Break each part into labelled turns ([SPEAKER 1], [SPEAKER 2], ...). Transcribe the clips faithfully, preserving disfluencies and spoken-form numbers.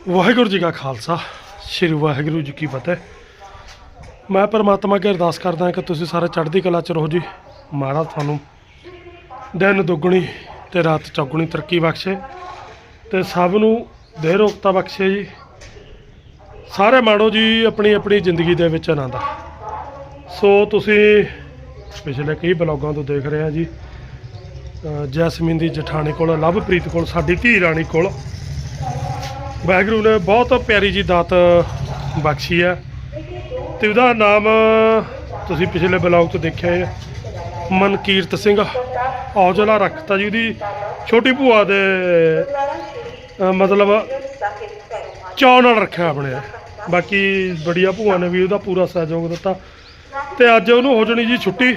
[SPEAKER 1] ਵਾਹਿਗੁਰੂ ਜੀ ਕਾ ਖਾਲਸਾ ਸ਼੍ਰੀ ਵਾਹਿਗੁਰੂ ਜੀ ਕੀ ਫਤਿਹ। ਮੈਂ ਪਰਮਾਤਮਾ ਅੱਗੇ ਅਰਦਾਸ ਕਰਦਾ ਕਿ ਤੁਸੀਂ ਸਾਰੇ ਚੜ੍ਹਦੀ ਕਲਾ 'ਚ ਰਹੋ ਜੀ। ਮਹਾਰਾਜ ਤੁਹਾਨੂੰ ਦਿਨ ਦੁੱਗਣੀ ਤੇ ਰਾਤ ਚੌਗੁਣੀ ਤਰੱਕੀ ਬਖਸ਼ੇ ਤੇ ਸਭ ਨੂੰ ਦੇਹ ਰੋਗਤਾ ਬਖਸ਼ੇ ਜੀ। ਸਾਰੇ ਮਾਣੋ ਜੀ ਆਪਣੀ ਆਪਣੀ ਜ਼ਿੰਦਗੀ ਦੇ ਵਿੱਚ ਆਨੰਦ। ਸੋ ਤੁਸੀਂ ਪਿਛਲੇ ਕਈ ਬਲੌਗਾਂ ਤੋਂ ਦੇਖ ਰਹੇ ਆ ਜੀ, ਅ ਜੈਸਮੀਨ ਦੀ ਜਠਾਣੀ ਕੋਲ, ਲਵਪ੍ਰੀਤ ਕੋਲ, ਸਾਡੀ ਧੀ ਰਾਣੀ ਕੋਲ ਵਾਹਿਗੁਰੂ ਨੇ ਬਹੁਤ ਪਿਆਰੀ ਜੀ ਦਾਤ ਬਖਸ਼ੀ ਹੈ ਤੇ ਉਹਦਾ ਨਾਮ ਤੁਸੀਂ ਪਿਛਲੇ ਬਲੌਗ 'ਚ ਦੇਖਿਆ ਹੈ, ਮਨਕੀਰਤ ਸਿੰਘ ਔਜਲਾ ਰੱਖਤਾ ਜੀ। ਉਹਦੀ ਛੋਟੀ ਭੂਆ ਦੇ ਅ ਮਤਲਬ ਚਾਅ ਨਾਲ ਰੱਖਿਆ ਆਪਣੇ। ਬਾਕੀ ਬੜੀਆ ਭੂਆ ਨੇ ਵੀ ਉਹਦਾ ਪੂਰਾ ਸਹਿਯੋਗ ਦਿੱਤਾ ਤੇ ਅੱਜ ਉਹਨੂੰ ਹੋ ਜਾਣੀ ਜੀ ਛੁੱਟੀ।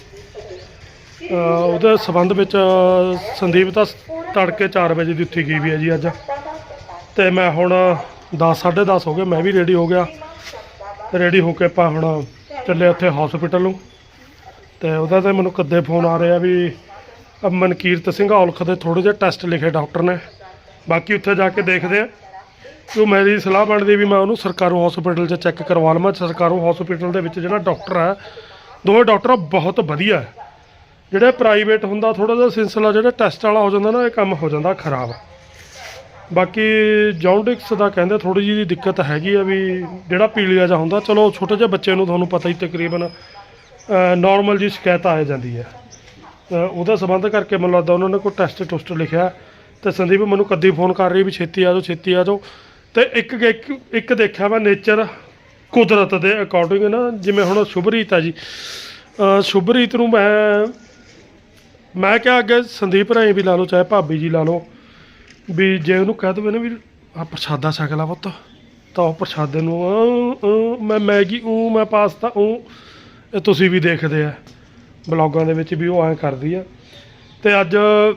[SPEAKER 1] ਉਹਦੇ ਸੰਬੰਧ ਵਿੱਚ ਸੰਦੀਪ ਤਾਂ ਤੜਕੇ ਚਾਰ ਵਜੇ ਦੀ ਉੱਠੀ ਗਈ ਵੀ ਹੈ ਜੀ ਅੱਜ। ਤੇ ਮੈਂ ਹੁਣ ਦਸ ਸਾਢੇ ਦਸ ਹੋ ਗਏ, ਮੈਂ ਵੀ ਰੈਡੀ ਹੋ ਗਿਆ। ਰੈਡੀ ਹੋ ਕੇ ਆਪਾਂ ਹੁਣ ਚੱਲੇ ਉੱਥੇ ਹੌਸਪੀਟਲ ਨੂੰ। ਤੇ ਉਹਦਾ ਤੇ ਮੈਨੂੰ ਕਦੇ ਫੋਨ ਆ ਰਿਹਾ ਵੀ ਮਨਕੀਰਤ ਸਿੰਘ ਔਲਖ ਦੇ ਥੋੜ੍ਹੇ ਜਿਹੇ ਟੈਸਟ ਲਿਖੇ ਡਾਕਟਰ ਨੇ, ਬਾਕੀ ਉੱਥੇ ਜਾ ਕੇ ਦੇਖਦੇ ਆ। ਕਿਉਂ ਮੇਰੀ ਸਲਾਹ ਬਣਦੀ ਵੀ ਮੈਂ ਉਹਨੂੰ ਸਰਕਾਰੀ ਹੌਸਪੀਟਲ 'ਚ ਚੈੱਕ ਕਰਵਾ ਲਵਾਂ। ਸਰਕਾਰੀ ਹੌਸਪੀਟਲ ਦੇ ਵਿੱਚ ਜਿਹੜਾ ਡਾਕਟਰ ਹੈ, ਦੋਵੇਂ ਡਾਕਟਰ ਬਹੁਤ ਵਧੀਆ ਹੈ। ਜਿਹੜੇ ਪ੍ਰਾਈਵੇਟ ਹੁੰਦਾ ਥੋੜ੍ਹਾ ਜਿਹਾ ਸਿਲਸਿਲਾ ਜਿਹੜਾ ਟੈਸਟ ਵਾਲਾ ਹੋ ਜਾਂਦਾ ਨਾ, ਇਹ ਕੰਮ ਹੋ ਜਾਂਦਾ ਖਰਾਬ। ਬਾਕੀ ਜੌਂਡਿਕਸ ਦਾ ਕਹਿੰਦੇ ਥੋੜ੍ਹੀ ਜਿਹੀ ਦਿੱਕਤ ਹੈਗੀ ਆ ਵੀ ਜਿਹੜਾ ਪੀਲੀਆ ਜਿਹਾ ਹੁੰਦਾ। ਚਲੋ ਛੋਟੇ ਜਿਹੇ ਬੱਚੇ ਨੂੰ ਤੁਹਾਨੂੰ ਪਤਾ ਹੀ ਤਕਰੀਬਨ ਨੋਰਮਲ ਜੀ ਸ਼ਿਕਾਇਤ ਆ ਜਾਂਦੀ ਹੈ। ਉਹਦਾ ਸੰਬੰਧ ਕਰਕੇ ਮੈਨੂੰ ਲੱਗਦਾ ਉਹਨਾਂ ਨੇ ਕੋਈ ਟੈਸਟ ਟੁਸਟ ਲਿਖਿਆ। ਤੇ ਸੰਦੀਪ ਮੈਨੂੰ ਕਦੀ ਫੋਨ ਕਰ ਰਹੀ ਵੀ ਛੇਤੀ ਆ ਜਾਓ ਛੇਤੀ ਆ ਜਾਓ। ਤੇ ਇੱਕ ਇੱਕ ਇੱਕ ਦੇਖਿਆ ਮੈਂ ਨੇਚਰ ਕੁਦਰਤ ਦੇ ਅਕੋਰਡਿੰਗ ਨਾ, ਜਿਵੇਂ ਹੁਣ ਸ਼ੁਭਰੀਤ ਆ ਜੀ, ਸ਼ੁਭਰੀਤ ਨੂੰ ਮੈਂ ਮੈਂ ਕਿਹਾ ਅੱਗੇ ਸੰਦੀਪ ਰਾਹੀਂ ਵੀ ਲਾ ਲਓ ਚਾਹੇ ਭਾਬੀ ਜੀ ਲਾ ਲਓ ਵੀ ਜੇ ਉਹਨੂੰ ਕਹਿ ਦੇਵੇ ਨਾ ਵੀ ਆ ਪ੍ਰਸ਼ਾਦਾ ਛਕ ਲਾ ਪੁੱਤ, ਤਾਂ ਉਹ ਪ੍ਰਸ਼ਾਦੇ ਨੂੰ ਮੈਂ ਮੈਗੀ ਊਂ ਮੈਂ ਪਾਸਤਾ ਊਂ, ਇਹ ਤੁਸੀਂ ਵੀ ਦੇਖਦੇ ਆ ਬਲੌਗਾਂ ਦੇ ਵਿੱਚ ਵੀ ਉਹ ਐਂ ਕਰਦੀ ਆ। ਤੇ ਅੱਜ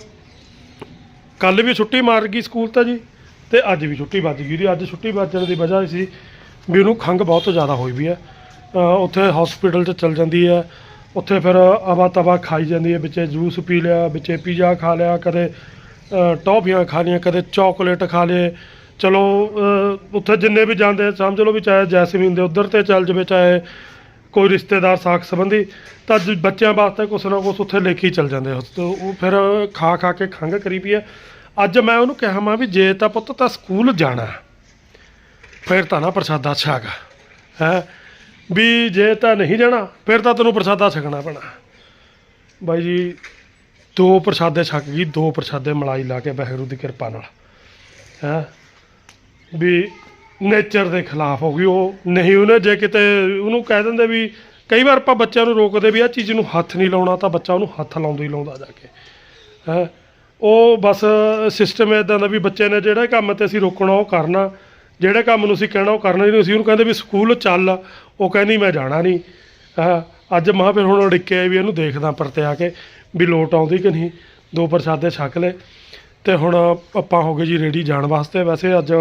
[SPEAKER 1] ਕੱਲ੍ਹ ਵੀ ਛੁੱਟੀ ਮਾਰ ਗਈ ਸਕੂਲ ਤਾਂ ਜੀ, ਤੇ ਅੱਜ ਵੀ ਛੁੱਟੀ ਵੱਜ ਗਈ ਉਹਦੀ। ਅੱਜ ਛੁੱਟੀ ਵੱਜਣ ਦੀ ਵਜ੍ਹਾ ਸੀ ਵੀ ਉਹਨੂੰ ਖੰਘ ਬਹੁਤ ਜ਼ਿਆਦਾ ਹੋਈ ਵੀ ਹੈ। ਉੱਥੇ ਹੌਸਪੀਟਲ 'ਚ ਚਲ ਜਾਂਦੀ ਹੈ, ਉੱਥੇ ਫਿਰ ਅਵਾ ਤਵਾ ਖਾਈ ਜਾਂਦੀ ਹੈ, ਵਿੱਚੇ ਜੂਸ ਪੀ ਲਿਆ, ਵਿੱਚੇ ਪੀਜ਼ਾ ਖਾ ਲਿਆ, ਕਦੇ ਟੌਫੀਆਂ ਖਾ ਲਈਆਂ, ਕਦੇ ਚੌਕਲੇਟ ਖਾ ਲਏ। ਚਲੋ ਉੱਥੇ ਜਿੰਨੇ ਵੀ ਜਾਂਦੇ ਸਮਝ ਲਓ ਵੀ ਚਾਹੇ ਜੈਸਮੀਨ ਦੇ ਉੱਧਰ ਤੇ ਚੱਲ ਜਾਵੇ, ਚਾਹੇ ਕੋਈ ਰਿਸ਼ਤੇਦਾਰ ਸਾਕ ਸੰਬੰਧੀ, ਤਾਂ ਬੱਚਿਆਂ ਵਾਸਤੇ ਕੁਛ ਨਾ ਕੁਛ ਉੱਥੇ ਲੈ ਕੇ ਹੀ ਚੱਲ ਜਾਂਦੇ। ਉਹ ਫਿਰ ਖਾ ਖਾ ਕੇ ਖੰਘ ਕਰੀ ਪਈ ਹੈ। ਅੱਜ ਮੈਂ ਉਹਨੂੰ ਕਿਹਾ ਮੈਂ ਵੀ ਜੇ ਤਾਂ ਪੁੱਤ ਤਾਂ ਸਕੂਲ ਜਾਣਾ ਫਿਰ ਤਾਂ ਨਾ ਪ੍ਰਸ਼ਾਦਾ ਛਕ ਹੈ, ਵੀ ਜੇ ਤਾਂ ਨਹੀਂ ਜਾਣਾ ਫਿਰ ਤਾਂ ਤੈਨੂੰ ਪ੍ਰਸ਼ਾਦਾ ਛਕਣਾ ਪੈਣਾ। ਬਾਈ ਜੀ ਦੋ ਪ੍ਰਸ਼ਾਦੇ ਛਕ ਗਈ, ਦੋ ਪ੍ਰਸ਼ਾਦੇ ਮਲਾਈ ਲਾ ਕੇ ਵਾਹਿਗੁਰੂ ਦੀ ਕਿਰਪਾ ਨਾਲ ਹੈ ਵੀ ਨੇਚਰ ਦੇ ਖਿਲਾਫ ਹੋ ਗਈ ਉਹ। ਨਹੀਂ ਉਹਨੇ ਜੇ ਕਿਤੇ ਉਹਨੂੰ ਕਹਿ ਦਿੰਦੇ ਵੀ ਕਈ ਵਾਰ ਆਪਾਂ ਬੱਚਿਆਂ ਨੂੰ ਰੋਕਦੇ ਵੀ ਆਹ ਚੀਜ਼ ਨੂੰ ਹੱਥ ਨਹੀਂ ਲਾਉਣਾ, ਤਾਂ ਬੱਚਾ ਉਹਨੂੰ ਹੱਥ ਲਾਉਂਦਾ ਹੀ ਲਾਉਂਦਾ ਜਾ ਕੇ ਹੈ। ਉਹ ਬਸ ਸਿਸਟਮ ਇੱਦਾਂ ਦਾ ਵੀ ਬੱਚੇ ਨੇ ਜਿਹੜੇ ਕੰਮ 'ਤੇ ਅਸੀਂ ਰੋਕਣਾ ਉਹ ਕਰਨਾ, ਜਿਹੜੇ ਕੰਮ ਨੂੰ ਅਸੀਂ ਕਹਿਣਾ ਉਹ ਕਰਨਾ ਨਹੀਂ। ਅਸੀਂ ਉਹਨੂੰ ਕਹਿੰਦੇ ਵੀ ਸਕੂਲ ਚੱਲ, ਉਹ ਕਹਿੰਦੀ ਮੈਂ ਜਾਣਾ ਨਹੀਂ। ਹਾਂ ਅੱਜ ਮਾਂ ਫਿਰ ਹੁਣ ਉਡੀਕੇ ਵੀ ਇਹਨੂੰ ਦੇਖਦਾ ਪਰਤੇ ਆ ਕੇ ਵੀ ਲੋਟ ਆਉਂਦੀ ਕਿ ਨਹੀਂ। ਦੋ ਪ੍ਰਸ਼ਾਦੇ ਛਕ ਲਏ ਤੇ ਹੁਣ ਆਪਾਂ ਹੋ ਗਏ ਜੀ ਰੈਡੀ ਜਾਣ ਵਾਸਤੇ। ਵੈਸੇ ਅੱਜ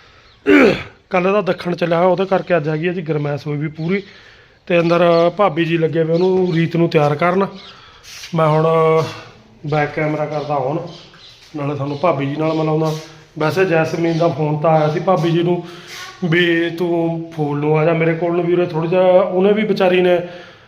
[SPEAKER 1] ਕੱਲ੍ਹ ਦਾ ਦੱਖਣ ਚੱਲਿਆ ਹੋਇਆ, ਉਹਦੇ ਕਰਕੇ ਅੱਜ ਹੈਗੀ ਹੈ ਜੀ ਗਰਮੈਸ਼ ਹੋਈ ਵੀ ਪੂਰੀ। ਤੇ ਅੰਦਰ ਭਾਬੀ ਜੀ ਲੱਗੇ ਵੇ ਉਹਨੂੰ ਰੀਤ ਨੂੰ ਤਿਆਰ ਕਰਨ। ਮੈਂ ਹੁਣ ਬੈਕ ਕੈਮਰਾ ਕਰਦਾ ਹੁਣ, ਨਾਲੇ ਤੁਹਾਨੂੰ ਭਾਬੀ ਜੀ ਨਾਲ ਮਿਲਾਉਂਦਾ। ਵੈਸੇ ਜੈਸਮੀਨ ਦਾ ਫੋਨ ਤਾਂ ਆਇਆ ਸੀ ਭਾਬੀ ਜੀ ਨੂੰ ਵੀ ਤੂੰ ਫੂਲ ਨੂੰ ਆ ਜਾ ਮੇਰੇ ਕੋਲ ਨੂੰ ਵੀਰੇ ਥੋੜ੍ਹਾ ਜਿਹਾ। ਉਹਨੇ ਵੀ ਵਿਚਾਰੀ ਨੇ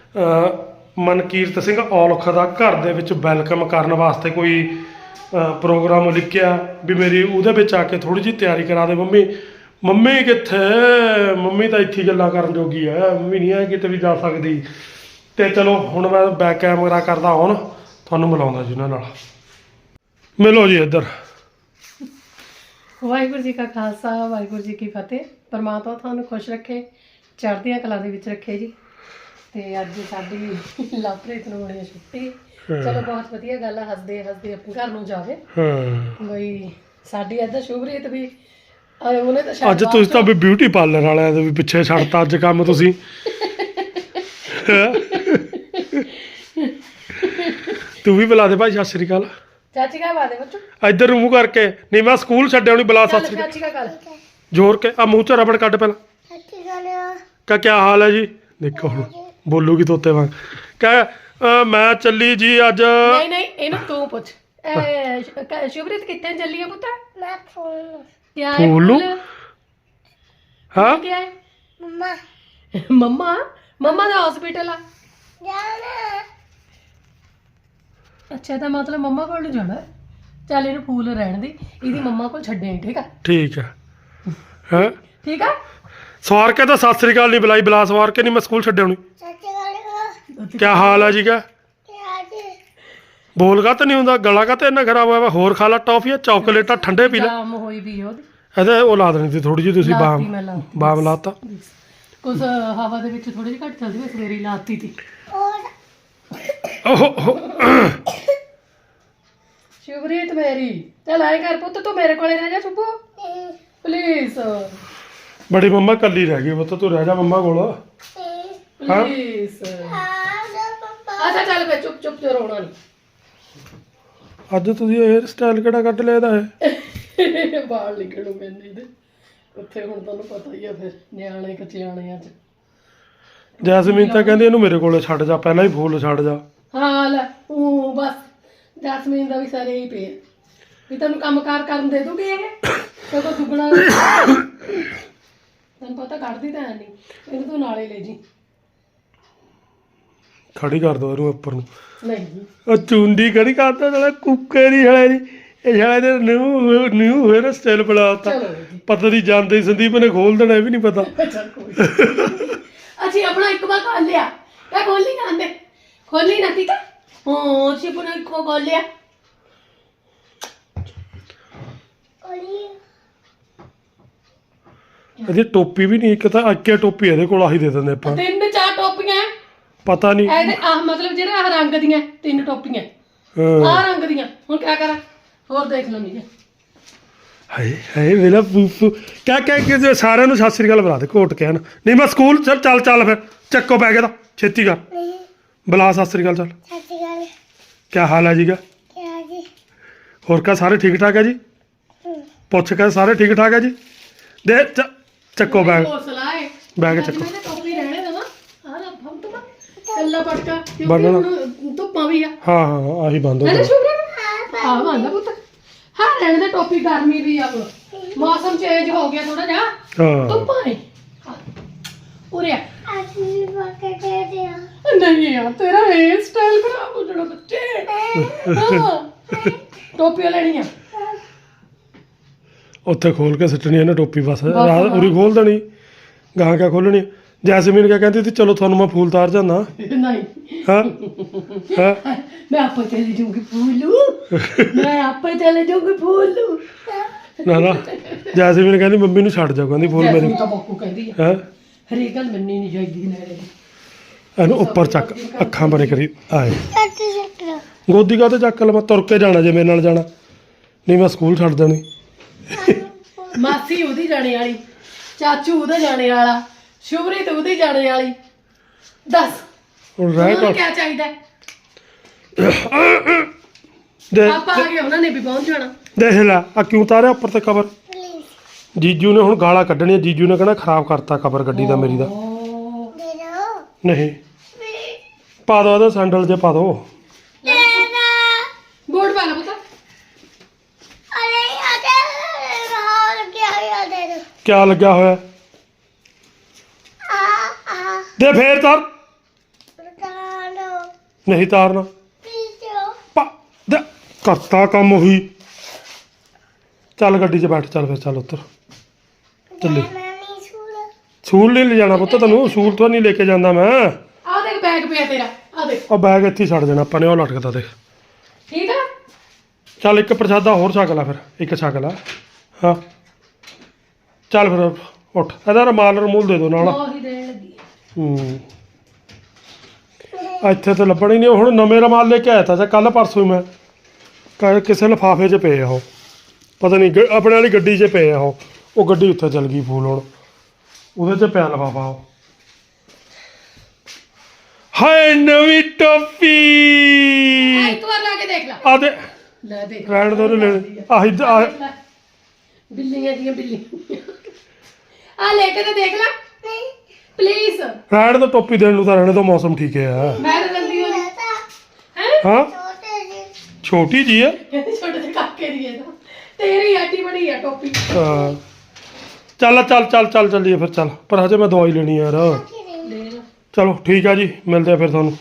[SPEAKER 1] ਮਨਕੀਰਤ ਸਿੰਘ ਔਲਖ ਦਾ ਘਰ ਦੇ ਵਿੱਚ ਵੈਲਕਮ ਕਰਨ ਵਾਸਤੇ ਕੋਈ ਪ੍ਰੋਗਰਾਮ ਲਿਖਿਆ ਵੀ ਮੇਰੀ ਉਹਦੇ ਵਿੱਚ ਆ ਕੇ ਥੋੜ੍ਹੀ ਜਿਹੀ ਤਿਆਰੀ ਕਰਾ ਦੇ ਮੰਮੀ। ਮੰਮੀ ਕਿੱਥੇ, ਮੰਮੀ ਤਾਂ ਇੱਥੇ ਗੱਲਾਂ ਕਰਨ ਜੋਗੀ ਹੈ, ਮੰਮੀ ਨਹੀਂ ਹੈ ਕਿਤੇ ਵੀ ਜਾ ਸਕਦੀ। ਤੇ ਚਲੋ ਹੁਣ ਮੈਂ ਬੈਕ ਕੈਮਰਾ ਕਰਦਾ ਹੁਣ, ਤੁਹਾਨੂੰ ਮਿਲਾਉਂਦਾ ਜੀ ਉਹਨਾਂ ਨਾਲ। ਮਿਲੋ ਜੀ ਇੱਧਰ।
[SPEAKER 2] ਵਾਹਿਗੁਰੂ ਜੀ ਕਾ ਖਾਲਸਾ ਵਾਹਿਗੁਰੂ ਜੀ ਕੀ ਫਤਿਹ। ਪਰਮਾਤਮਾ ਤੁਹਾਨੂੰ ਖੁਸ਼ ਰੱਖੇ, ਚੜ੍ਹਦੀਆਂ ਕਲਾ ਦੇ ਵਿੱਚ ਰੱਖੇ ਜੀ। ਤੇ ਅੱਜ ਸਾਡੀ ਲਵਪ੍ਰੀਤ ਨੂੰ ਹੋਣੀ ਛੁੱਟੀ। ਚਲੋ ਬਹੁਤ ਵਧੀਆ ਗੱਲ ਆ, ਹੱਸਦੇ ਹੱਸਦੇ ਆਪਣੇ ਘਰ ਨੂੰ ਜਾਵੇ। ਬਈ ਸਾਡੀ ਇੱਧਰ ਸ਼ੁਭਰੀਤ ਵੀ ਉਹਨੇ ਤਾਂ
[SPEAKER 1] ਅੱਜ ਤੁਸੀਂ ਤਾਂ ਵੀ ਬਿਊਟੀ ਪਾਰਲਰ ਵਾਲਿਆਂ ਦੇ ਵੀ ਪਿੱਛੇ ਛੱਡਤਾ ਅੱਜ ਕੰਮ ਤੁਸੀਂ। ਤੂੰ ਵੀ ਬੁਲਾ ਦੇ ਭਾਈ ਸਤਿ ਸ੍ਰੀ ਅਕਾਲ।
[SPEAKER 2] ਚਾਚੀ ਕਾ ਬਾਦੇ ਬੱਚੋ
[SPEAKER 1] ਇੱਧਰ ਨੂੰ ਮੂੰਹ ਕਰਕੇ। ਨਹੀਂ ਮੈਂ ਸਕੂਲ ਛੱਡਿਆ ਨਹੀਂ, ਬੁਲਾ ਸਤਿ ਸ੍ਰੀ
[SPEAKER 2] ਚਾਚੀ ਕਾ ਗੱਲ
[SPEAKER 1] ਜ਼ੋਰ ਕੇ। ਆ ਮੂੰਹ 'ਚ ਰਬੜ ਕੱਢ ਪਹਿਲਾਂ। ਕਾ ਕਿਆ ਹਾਲ ਹੈ ਜੀ? ਦੇਖੋ ਹੁਣ ਬੋਲੂਗੀ ਤੋਤੇ ਵਾਂਗ। ਕਹਿ ਮੈਂ ਚੱਲੀ ਜੀ ਅੱਜ।
[SPEAKER 2] ਨਹੀਂ ਨਹੀਂ ਇਹਨੂੰ ਤੂੰ ਪੁੱਛ। ਸ਼ੁਭਰੀਤ ਕਿੱਥੇ ਚੱਲੀ ਹੈ ਪੁੱਤ? ਮੈਂ ਫੂਲ ਕਿਆ
[SPEAKER 1] ਫੂਲ ਨੂੰ ਹਾਂ
[SPEAKER 2] ਕੀ ਹੈ ਮੰਮਾ ਮੰਮਾ ਮੰਮਾ ਦਾ ਹਸਪੀਟਲ ਆ ਜਾਣਾ ਅੱਛਾ ਤਾਂ ਮਤਲਬ ਮੰਮਾ ਕੋਲ ਨੂੰ ਜਾਣਾ ਚੱਲ ਇਹਨੂੰ ਫੂਲ ਰਹਿਣ ਦੀ ਇਹਦੀ ਮੰਮਾ ਕੋਲ ਛੱਡੇ ਠੀਕ ਆ
[SPEAKER 1] ਠੀਕ ਹੈ ਹੈ
[SPEAKER 2] ਠੀਕ ਆ
[SPEAKER 1] ਸਵਾਰ ਕੇ ਤਾਂ ਸਤਿ ਸ੍ਰੀ ਅਕਾਲ ਨਹੀਂ ਬੁਲਾਈ ਬੁਲਾ ਸਵਾਰ ਕੇ ਨਹੀਂ ਮੈਂ ਸਕੂਲ ਛੱਡਿਆ ਹੋਣੀ ਕੀ ਹਾਲ ਹੈ ਜੀ ਕਾ ਬੋਲ ਗਾ ਤਾਂ ਨਹੀਂ ਹੁੰਦਾ ਗਲਾ ਕਾ ਤਾਂ ਇੰਨਾ ਖਰਾਬ ਹੋਇਆ ਵਾ ਹੋਰ ਖਾ ਲਾ ਟੌਫੀਆਂ ਚਾਕਲੇਟਾਂ ਠੰਡੇ ਪੀ ਲੈ
[SPEAKER 2] ਜਾਮ ਹੋਈ ਵੀ ਉਹਦੀ
[SPEAKER 1] ਇਹਦੇ ਉਹ ਲਾ ਦੇਣੀ ਸੀ ਥੋੜੀ ਜਿਹੀ ਤੁਸੀਂ
[SPEAKER 2] ਲਾਤੀ
[SPEAKER 1] ਬਾਮ
[SPEAKER 2] ਮੈਂ ਲਾਤੀ।
[SPEAKER 1] ਬਾਮ ਲਾਤਾ
[SPEAKER 2] ਕੁਛ ਹਵਾ ਦੇ ਵਿੱਚ ਥੋੜੀ ਜਿਹੀ ਘੱਟ ਚੱਲਦੀ ਮੈਂ ਸਵੇਰੇ ਹੀ ਲਾਤੀ ਤੀ
[SPEAKER 1] ਓਹੋ
[SPEAKER 2] ਸ਼ੁਭਰੀਤ ਮੇਰੀ ਚੱਲ ਆਏ ਕਰ ਪੁੱਤ ਤੂੰ ਮੇਰੇ ਕੋਲੇ ਰਹਿ ਜਾ ਸੁਪੂ ਪਲੀਜ਼
[SPEAKER 1] ਬੜੀ ਮੰਮਾ ਕੱਲੀ ਰਹਿ ਗਈ ਪੁੱਤ ਤੂੰ ਰਹਿ ਜਾ ਮੰਮਾ ਕੋਲ ਹਾਂ
[SPEAKER 2] ਪਲੀਜ਼ ਅੱਛਾ ਚੱਲ ਫੇ ਚੁੱਪ ਚੁੱਪ ਤੇ ਰੋਣਾ ਨਹੀਂ
[SPEAKER 1] ਅੱਜ ਤੁਸੀਂ ਹੇਅਰ ਸਟਾਈਲ ਕਿਹੜਾ ਕੱਢ ਲਿਆ ਇਹਦਾ ਇਹ
[SPEAKER 2] ਬਾਲ ਨਿਕਲੂ ਮੈਨੇ ਇਹਦੇ ਉੱਥੇ ਹੁਣ ਤੁਹਾਨੂੰ ਪਤਾ ਹੀ ਆ ਫਿਰ ਨਿਆਣੇ ਕਚਿਆਣਿਆਂ ਚ
[SPEAKER 1] ਜੈਸਮੀਨ ਤਾਂ ਕਹਿੰਦੀ ਇਹਨੂੰ ਮੇਰੇ ਕੋਲੇ ਛੱਡ ਜਾ ਪਹਿਲਾਂ ਹੀ ਫੁੱਲ ਛੱਡ ਜਾ
[SPEAKER 2] ਹਾਂ ਲੈ ਉਹ ਬਸ ਜੈਸਮੀਨ ਦਾ ਵੀ ਸਾਰੇ ਹੀ ਪਿਆ ਵੀ ਤੈਨੂੰ ਕੰਮਕਾਰ ਕਰਨ ਦੇ ਦੂਗੀ ਇਹ ਤੇ ਕੋ ਦੁੱਗਣਾ ਤੈਨੂੰ ਪਤਾ ਕੱਢਦੀ ਤਾਂ ਹੈ ਨਹੀਂ ਇਹਨੂੰ ਤੂੰ ਨਾਲੇ ਲੈ ਜੀ
[SPEAKER 1] ਖੜੀ ਕਰ ਦੋ ਇਹਨੂੰ ਉੱਪਰ ਨੂੰ
[SPEAKER 2] ਨਹੀਂ
[SPEAKER 1] ਉਹ ਚੁੰਡੀ ਖੜੀ ਕਰਦਾ ਨਾਲੇ ਕੁੱਕੇ ਦੀ ਹਲੇ ਦੀ ਇਹ ਹਲੇ ਦੇ ਨਿਊ ਨਿਊ ਹੇਅਰ ਸਟਾਈਲ ਬਣਾਤਾ
[SPEAKER 2] ਚਲੋ ਜੀ
[SPEAKER 1] ਪਤਾ ਨਹੀਂ ਜਾਂਦੇ ਹੀ ਸੰਦੀਪ ਨੇ ਖੋਲ ਦੇਣਾ ਇਹ ਵੀ ਨਹੀਂ ਪਤਾ
[SPEAKER 2] ਚੱਲ ਕੋਈ ਅਸੀਂ ਆਪਣਾ ਇੱਕ ਵਾਰ ਕਰ ਲਿਆ ਇਹ ਖੋਲੀ ਨਾ ਆਂਦੇ ਖੋਲੀ ਨਾ ਠੀਕ ਹੈ ਹਾਂ ਅਸੀਂ ਆਪਣਾ ਇੱਕ ਵਾਰ ਕਰ ਲਿਆ
[SPEAKER 1] ਇਹਦੀ ਟੋਪੀ ਵੀ ਨਹੀਂ ਇੱਕ ਤਾਂ ਅੱਕੇ ਟੋਪੀ ਇਹਦੇ ਕੋਲ ਆਹੀ ਦੇ ਦਿੰਦੇ ਆਪਾਂ
[SPEAKER 2] ਤਿੰਨ ਚਾਰ ਟੋਪੀਆਂ
[SPEAKER 1] ਪਤਾ ਨਹੀਂ
[SPEAKER 2] ਇਹਦੇ ਆਹ ਮਤਲਬ ਜਿਹੜਾ ਆਹ ਰੰਗ ਦੀਆਂ ਤਿੰਨ ਟੋਪੀਆਂ
[SPEAKER 1] ਹਾਂ
[SPEAKER 2] ਆਹ ਰੰਗ ਦੀਆਂ ਹੁਣ ਕਿਆ ਕਰਾਂ ਹੋਰ ਦੇਖ ਲੈਣੀ ਹੈ
[SPEAKER 1] ਹਾਏ ਹਾਏ ਵੇਲਾ ਪੂਪੂ ਕਹਿ ਕਹਿ ਕੇ ਜੇ ਸਾਰਿਆਂ ਨੂੰ ਸਤਿ ਸ੍ਰੀ ਅਕਾਲ ਬੁਲਾ ਦੇ ਕੋਟ ਕਹਿਣ ਨਹੀਂ ਮੈਂ ਸਕੂਲ ਚੱਲ ਚੱਲ ਚੱਲ ਫਿਰ ਚੱਕੋ ਬੈਗ ਇਹਦਾ ਛੇਤੀ ਕਰ ਬੁਲਾ ਸਤਿ ਸ੍ਰੀ ਅਕਾਲ ਚੱਲ
[SPEAKER 2] ਸਤਿ ਸ਼੍ਰੀ ਅਕਾਲ
[SPEAKER 1] ਕੀ ਹਾਲ ਹੈ ਜੀਗਾ
[SPEAKER 2] ਕਿਆ ਜੀ
[SPEAKER 1] ਹੋਰ ਕਾ ਸਾਰੇ ਠੀਕ ਠਾਕ ਹੈ ਜੀ ਪੁੱਛ ਕੇ ਸਾਰੇ ਠੀਕ ਠਾਕ ਹੈ ਜੀ ਦੇ ਚ- ਚੱਕੋ ਬੈਗ
[SPEAKER 2] ਹੌਸਲਾ ਹੈ
[SPEAKER 1] ਬੈਗ ਚੱਕੋ
[SPEAKER 2] ਮੈਂ ਤਾਂ ਟੋਪੀ ਰਹਿਣੇ ਦੇਵਾਂ ਆਹ ਲੈ ਫਮ ਤੂੰ ਕੱਲਾ ਪਟਕਾ ਕਿਉਂਕਿ
[SPEAKER 1] ਬੰਨ੍ਹਣਾ।
[SPEAKER 2] ਹੁਣ ਧੁੱਪਾਂ ਵੀ ਆ
[SPEAKER 1] ਹਾਂ ਹਾਂ ਆਹੀ ਬੰਦ ਹੋ
[SPEAKER 2] ਹੈ
[SPEAKER 1] ਗਿਆ
[SPEAKER 2] ਨਾ ਸ਼ੁਭਰੀਤ ਹਾਂ ਬੰਦਾ ਪੁੱਤ ਹਾਂ ਰਹਿਣ ਦੇ ਟੋਪੀ ਗਰਮੀ ਵੀ ਆ ਹੁਣ ਮੌਸਮ ਚੇਂਜ ਹੋ ਗਿਆ ਥੋੜਾ ਜਿਹਾ
[SPEAKER 1] ਹਾਂ
[SPEAKER 2] ਧੁੱਪਾਂ ਨੇ ਉਰੇ ਆ
[SPEAKER 3] ਅਸੀਂ ਬਾਕੇ ਦੇ ਦਿਆ
[SPEAKER 2] ਨਹੀਂ ਯਾਰ ਤੇਰਾ ਹੇਅਰ ਸਟਾਈਲ ਖਰਾਬ ਹੋ ਜਾਣਾ ਬੱਚੇ ਹਾਂ ਟੋਪੀ ਲੈਣੀ ਆ
[SPEAKER 1] ਉੱਥੇ ਖੋਲ ਕੇ ਸਿੱਟਣੀ ਇਹਨੇ ਟੋਪੀ ਬਸ ਰਾਤ ਉਰੀ ਖੋਲ ਦੇਣੀ ਗਾਂ ਕਿਆ ਖੋਲਣੀ ਜੈਸਮੀਨ ਕਿਆ ਕਹਿੰਦੀ ਸੀ ਚਲੋ ਤੁਹਾਨੂੰ ਮੈਂ ਫੂਲ ਤਾਰ ਜਾਂਦਾ
[SPEAKER 2] ਨਹੀਂ
[SPEAKER 1] ਹਾਂ ਹਾਂ
[SPEAKER 2] ਮੈਂ ਆਪੇ ਚਲੇ ਜਾਊਂਗੀ ਫੂਲੂ ਮੈਂ ਆਪੇ ਚਲੇ ਜਾਊਂਗੀ ਫੂਲੂ
[SPEAKER 1] ਨਾ ਨਾ ਜੈਸਮੀਨ ਕਹਿੰਦੀ ਮੰਮੀ ਨੂੰ ਛੱਡ ਜਾ ਕਹਿੰਦੀ ਫੂਲ ਮੇਰੀ
[SPEAKER 2] ਜੈਸਮੀਨ ਤਾਂ ਬਾਪੂ ਕਹਿੰਦੀ ਆ
[SPEAKER 1] ਹੈ
[SPEAKER 2] ਹਰੇਕ ਗੱਲ ਮੰਨੀ ਨਹੀਂ ਚਾਹੀਦੀ ਨੇੜੇ ਦੀ
[SPEAKER 1] ਇਹਨੂੰ ਉੱਪਰ ਚੱਕ ਅੱਖਾਂ ਬਰੇ ਕਰੀ ਆਏ
[SPEAKER 3] ਕੱਟ ਸਕਦਾ
[SPEAKER 1] ਗੋਦੀ ਕਾ ਤੇ ਚੱਕ ਲੈ ਮੈਂ ਤੁਰ ਕੇ ਜਾਣਾ ਜੇ ਮੇਰੇ ਨਾਲ ਜਾਣਾ ਨਹੀਂ ਮੈਂ ਸਕੂਲ ਛੱਡ ਦੇਣੀ
[SPEAKER 2] ਮਾਸੀ ਉਹਦੀ ਜਾਣੇ ਵਾਲੀ ਚਾਚੂ ਉਹਦਾ ਜਾਣੇ ਵਾਲਾ ਸ਼ੁਭਰੀਤ ਉਹਦੀ ਜਾਣੇ ਵਾਲੀ ਦੱਸ
[SPEAKER 1] ਹੁਣ ਰਹਿ
[SPEAKER 2] ਉਹਨਾਂ ਨੂੰ
[SPEAKER 1] ਕਰ
[SPEAKER 2] ਕੀ ਚਾਹੀਦਾ ਹੈ?
[SPEAKER 1] ਦੇ
[SPEAKER 2] ਆਪਾਂ ਆ ਗਏ ਉਹਨਾਂ ਨੇ ਵੀ ਪਹੁੰਚ ਜਾਣਾ
[SPEAKER 1] ਦੇਖ ਲੈ ਆ ਕਿਉਂ ਤਾਰਿਆ ਉੱਪਰ ਤੇ ਕਵਰ
[SPEAKER 3] ਪਲੀਜ਼
[SPEAKER 1] ਜੀਜੂ ਨੇ ਹੁਣ ਗਾਲਾਂ ਕੱਢਣੀਆਂ ਜੀਜੂ ਨੇ ਕਹਿਣਾ ਖਰਾਬ ਕਰਤਾ ਕਵਰ ਗੱਡੀ ਦਾ ਮੇਰੀ ਦਾ
[SPEAKER 2] ਓ,
[SPEAKER 3] ਦੇ ਦੋ
[SPEAKER 1] ਨਹੀਂ ਪਾ ਦੋ ਇਹਦਾ ਸੈਂਡਲ ਜੇ ਪਾ ਦੋ
[SPEAKER 3] ਦੇ ਦੋ
[SPEAKER 2] ਬੋਰਡ ਪਾ ਲਾ ਪੁੱਤ
[SPEAKER 3] ਅਰੇ ਆਦੇ ਹਾਲ ਕੀ ਆ ਦੇ ਦੋ
[SPEAKER 1] ਕਿਆ ਲੱਗਿਆ ਹੋਇਆ
[SPEAKER 3] ਆ ਆ
[SPEAKER 1] ਦੇ ਫੇਰ ਤਾਰ
[SPEAKER 3] ਬਤਾ ਦੋ
[SPEAKER 1] ਨਹੀਂ ਤਾਰਨਾ
[SPEAKER 3] ਪਲੀਜ਼ ਦੋ
[SPEAKER 1] ਪਾ ਦੇ ਕਰਤਾ ਕੰਮ ਹੋਈ ਚੱਲ ਗੱਡੀ 'ਚ ਬੈਠ ਚੱਲ ਫਿਰ ਚੱਲ ਉੱਤਰ ਚੱਲੀ
[SPEAKER 3] ਮੈਂ ਨਹੀਂ ਸਕੂਲ
[SPEAKER 1] ਸਕੂਲ ਨਹੀਂ ਲੈ ਜਾਣਾ ਪੁੱਤ ਤੈਨੂੰ ਸਕੂਲ ਤੋਂ ਨਹੀਂ ਲੈ ਕੇ ਜਾਂਦਾ ਮੈਂ
[SPEAKER 2] ਆ ਦੇਖ ਬੈਗ ਪਿਆ ਤੇਰਾ ਆ ਦੇਖ
[SPEAKER 1] ਉਹ ਬੈਗ ਇੱਥੇ ਹੀ ਛੱਡ ਦੇਣਾ ਆਪਾਂ ਨੇ ਉਹ ਲਟਕਦਾ ਦੇਖ
[SPEAKER 2] ਠੀਕ ਆ
[SPEAKER 1] ਚੱਲ ਇੱਕ ਪ੍ਰਸ਼ਾਦਾ ਹੋਰ ਛਕ ਲੈ ਫਿਰ ਇੱਕ ਛਕ ਲੈ ਹਾਂ ਚੱਲ ਫਿਰ ਉੱਠ ਇਹਦਾ ਰਮਾਲ ਰਮੂਲ ਦੇ ਦੋ ਨਾਲ
[SPEAKER 2] ਉਹ ਹੀ ਦੇਣ ਲੱਗੀ ਆ।
[SPEAKER 1] ਹੂੰ ਇੱਥੇ ਤਾਂ ਲੱਭਣ ਹੀ ਨਹੀਂ ਹੁਣ ਨਵੇਂ ਰਮਾਲ ਲੈ ਕੇ ਆਇਆ ਤਾਂ ਕੱਲ ਪਰਸੋਂ ਹੀ ਮੈਂ ਕ- ਕਿਸੇ ਲਿਫਾਫੇ 'ਚ ਪਏ ਆ ਉਹ ਪਤਾ ਨਹੀਂ ਗ- ਆਪਣੇ ਵਾਲੀ ਗੱਡੀ 'ਚ ਪਏ ਆ ਉਹ ਉਹ ਗੱਡੀ ਉੱਥੇ ਚਲ ਗਈ ਫੂਲ ਹੁਣ ਉਹਦੇ 'ਚ ਪਿਆ ਲਿਫਾਫਾ ਉਹ ਹਾਏ ਨਵੀਂ ਟੋਪੀ
[SPEAKER 2] ਆ ਇੱਕ ਵਾਰ ਲਾ ਕੇ ਦੇਖ ਲੈ
[SPEAKER 1] ਆ ਦੇ
[SPEAKER 2] ਲੈ ਦੇਖ
[SPEAKER 1] ਰਹਿਣ ਦੋ ਲੈ ਆਹੀ
[SPEAKER 2] ਆ ਦੇਖ ਲੈ। ਬਿੱਲੀਆਂ ਦੀਆਂ ਬਿੱਲੀਆਂ ਆ ਲੈ ਕੇ ਤੇ ਦੇਖ ਲੈ
[SPEAKER 3] ਨਹੀਂ
[SPEAKER 2] ਪਲੀਜ਼
[SPEAKER 1] ਰਹਿਣ ਦੋ ਟੋਪੀ ਦੇਣ ਨੂੰ ਤਾਂ ਰਹਿਣੇ ਦੋ ਮੌਸਮ ਠੀਕ ਹੈ
[SPEAKER 2] ਮੈਂ ਤਾਂ ਜਲਦੀ ਹੋ ਹੈ
[SPEAKER 3] ਬਤਾ
[SPEAKER 1] ਹਾਂ
[SPEAKER 3] ਛੋਟੇ ਜੀ
[SPEAKER 1] ਛੋਟੀ ਜੀ ਹੈ
[SPEAKER 2] ਕਹਿੰਦੀ ਛੋਟੇ ਜਿਹੇ ਕਾਕੇ ਦੀ ਹੈ ਤਾਂ ਤੇਰੀ ਆਟੀ ਬੜੀ ਆ ਟੋਪੀ
[SPEAKER 1] ਹਾਂ ਚੱਲ ਚੱਲ ਚੱਲ ਚੱਲ ਚੱਲੀਏ ਫਿਰ ਚੱਲ ਪਰ ਹਜੇ ਮੈਂ ਦਵਾਈ ਲੈਣੀ ਯਾਰ
[SPEAKER 2] ਲੈ ਲਓ।
[SPEAKER 1] ਚਲੋ ਠੀਕ ਆ ਜੀ ਮਿਲਦੇ ਆ ਫਿਰ ਤੁਹਾਨੂੰ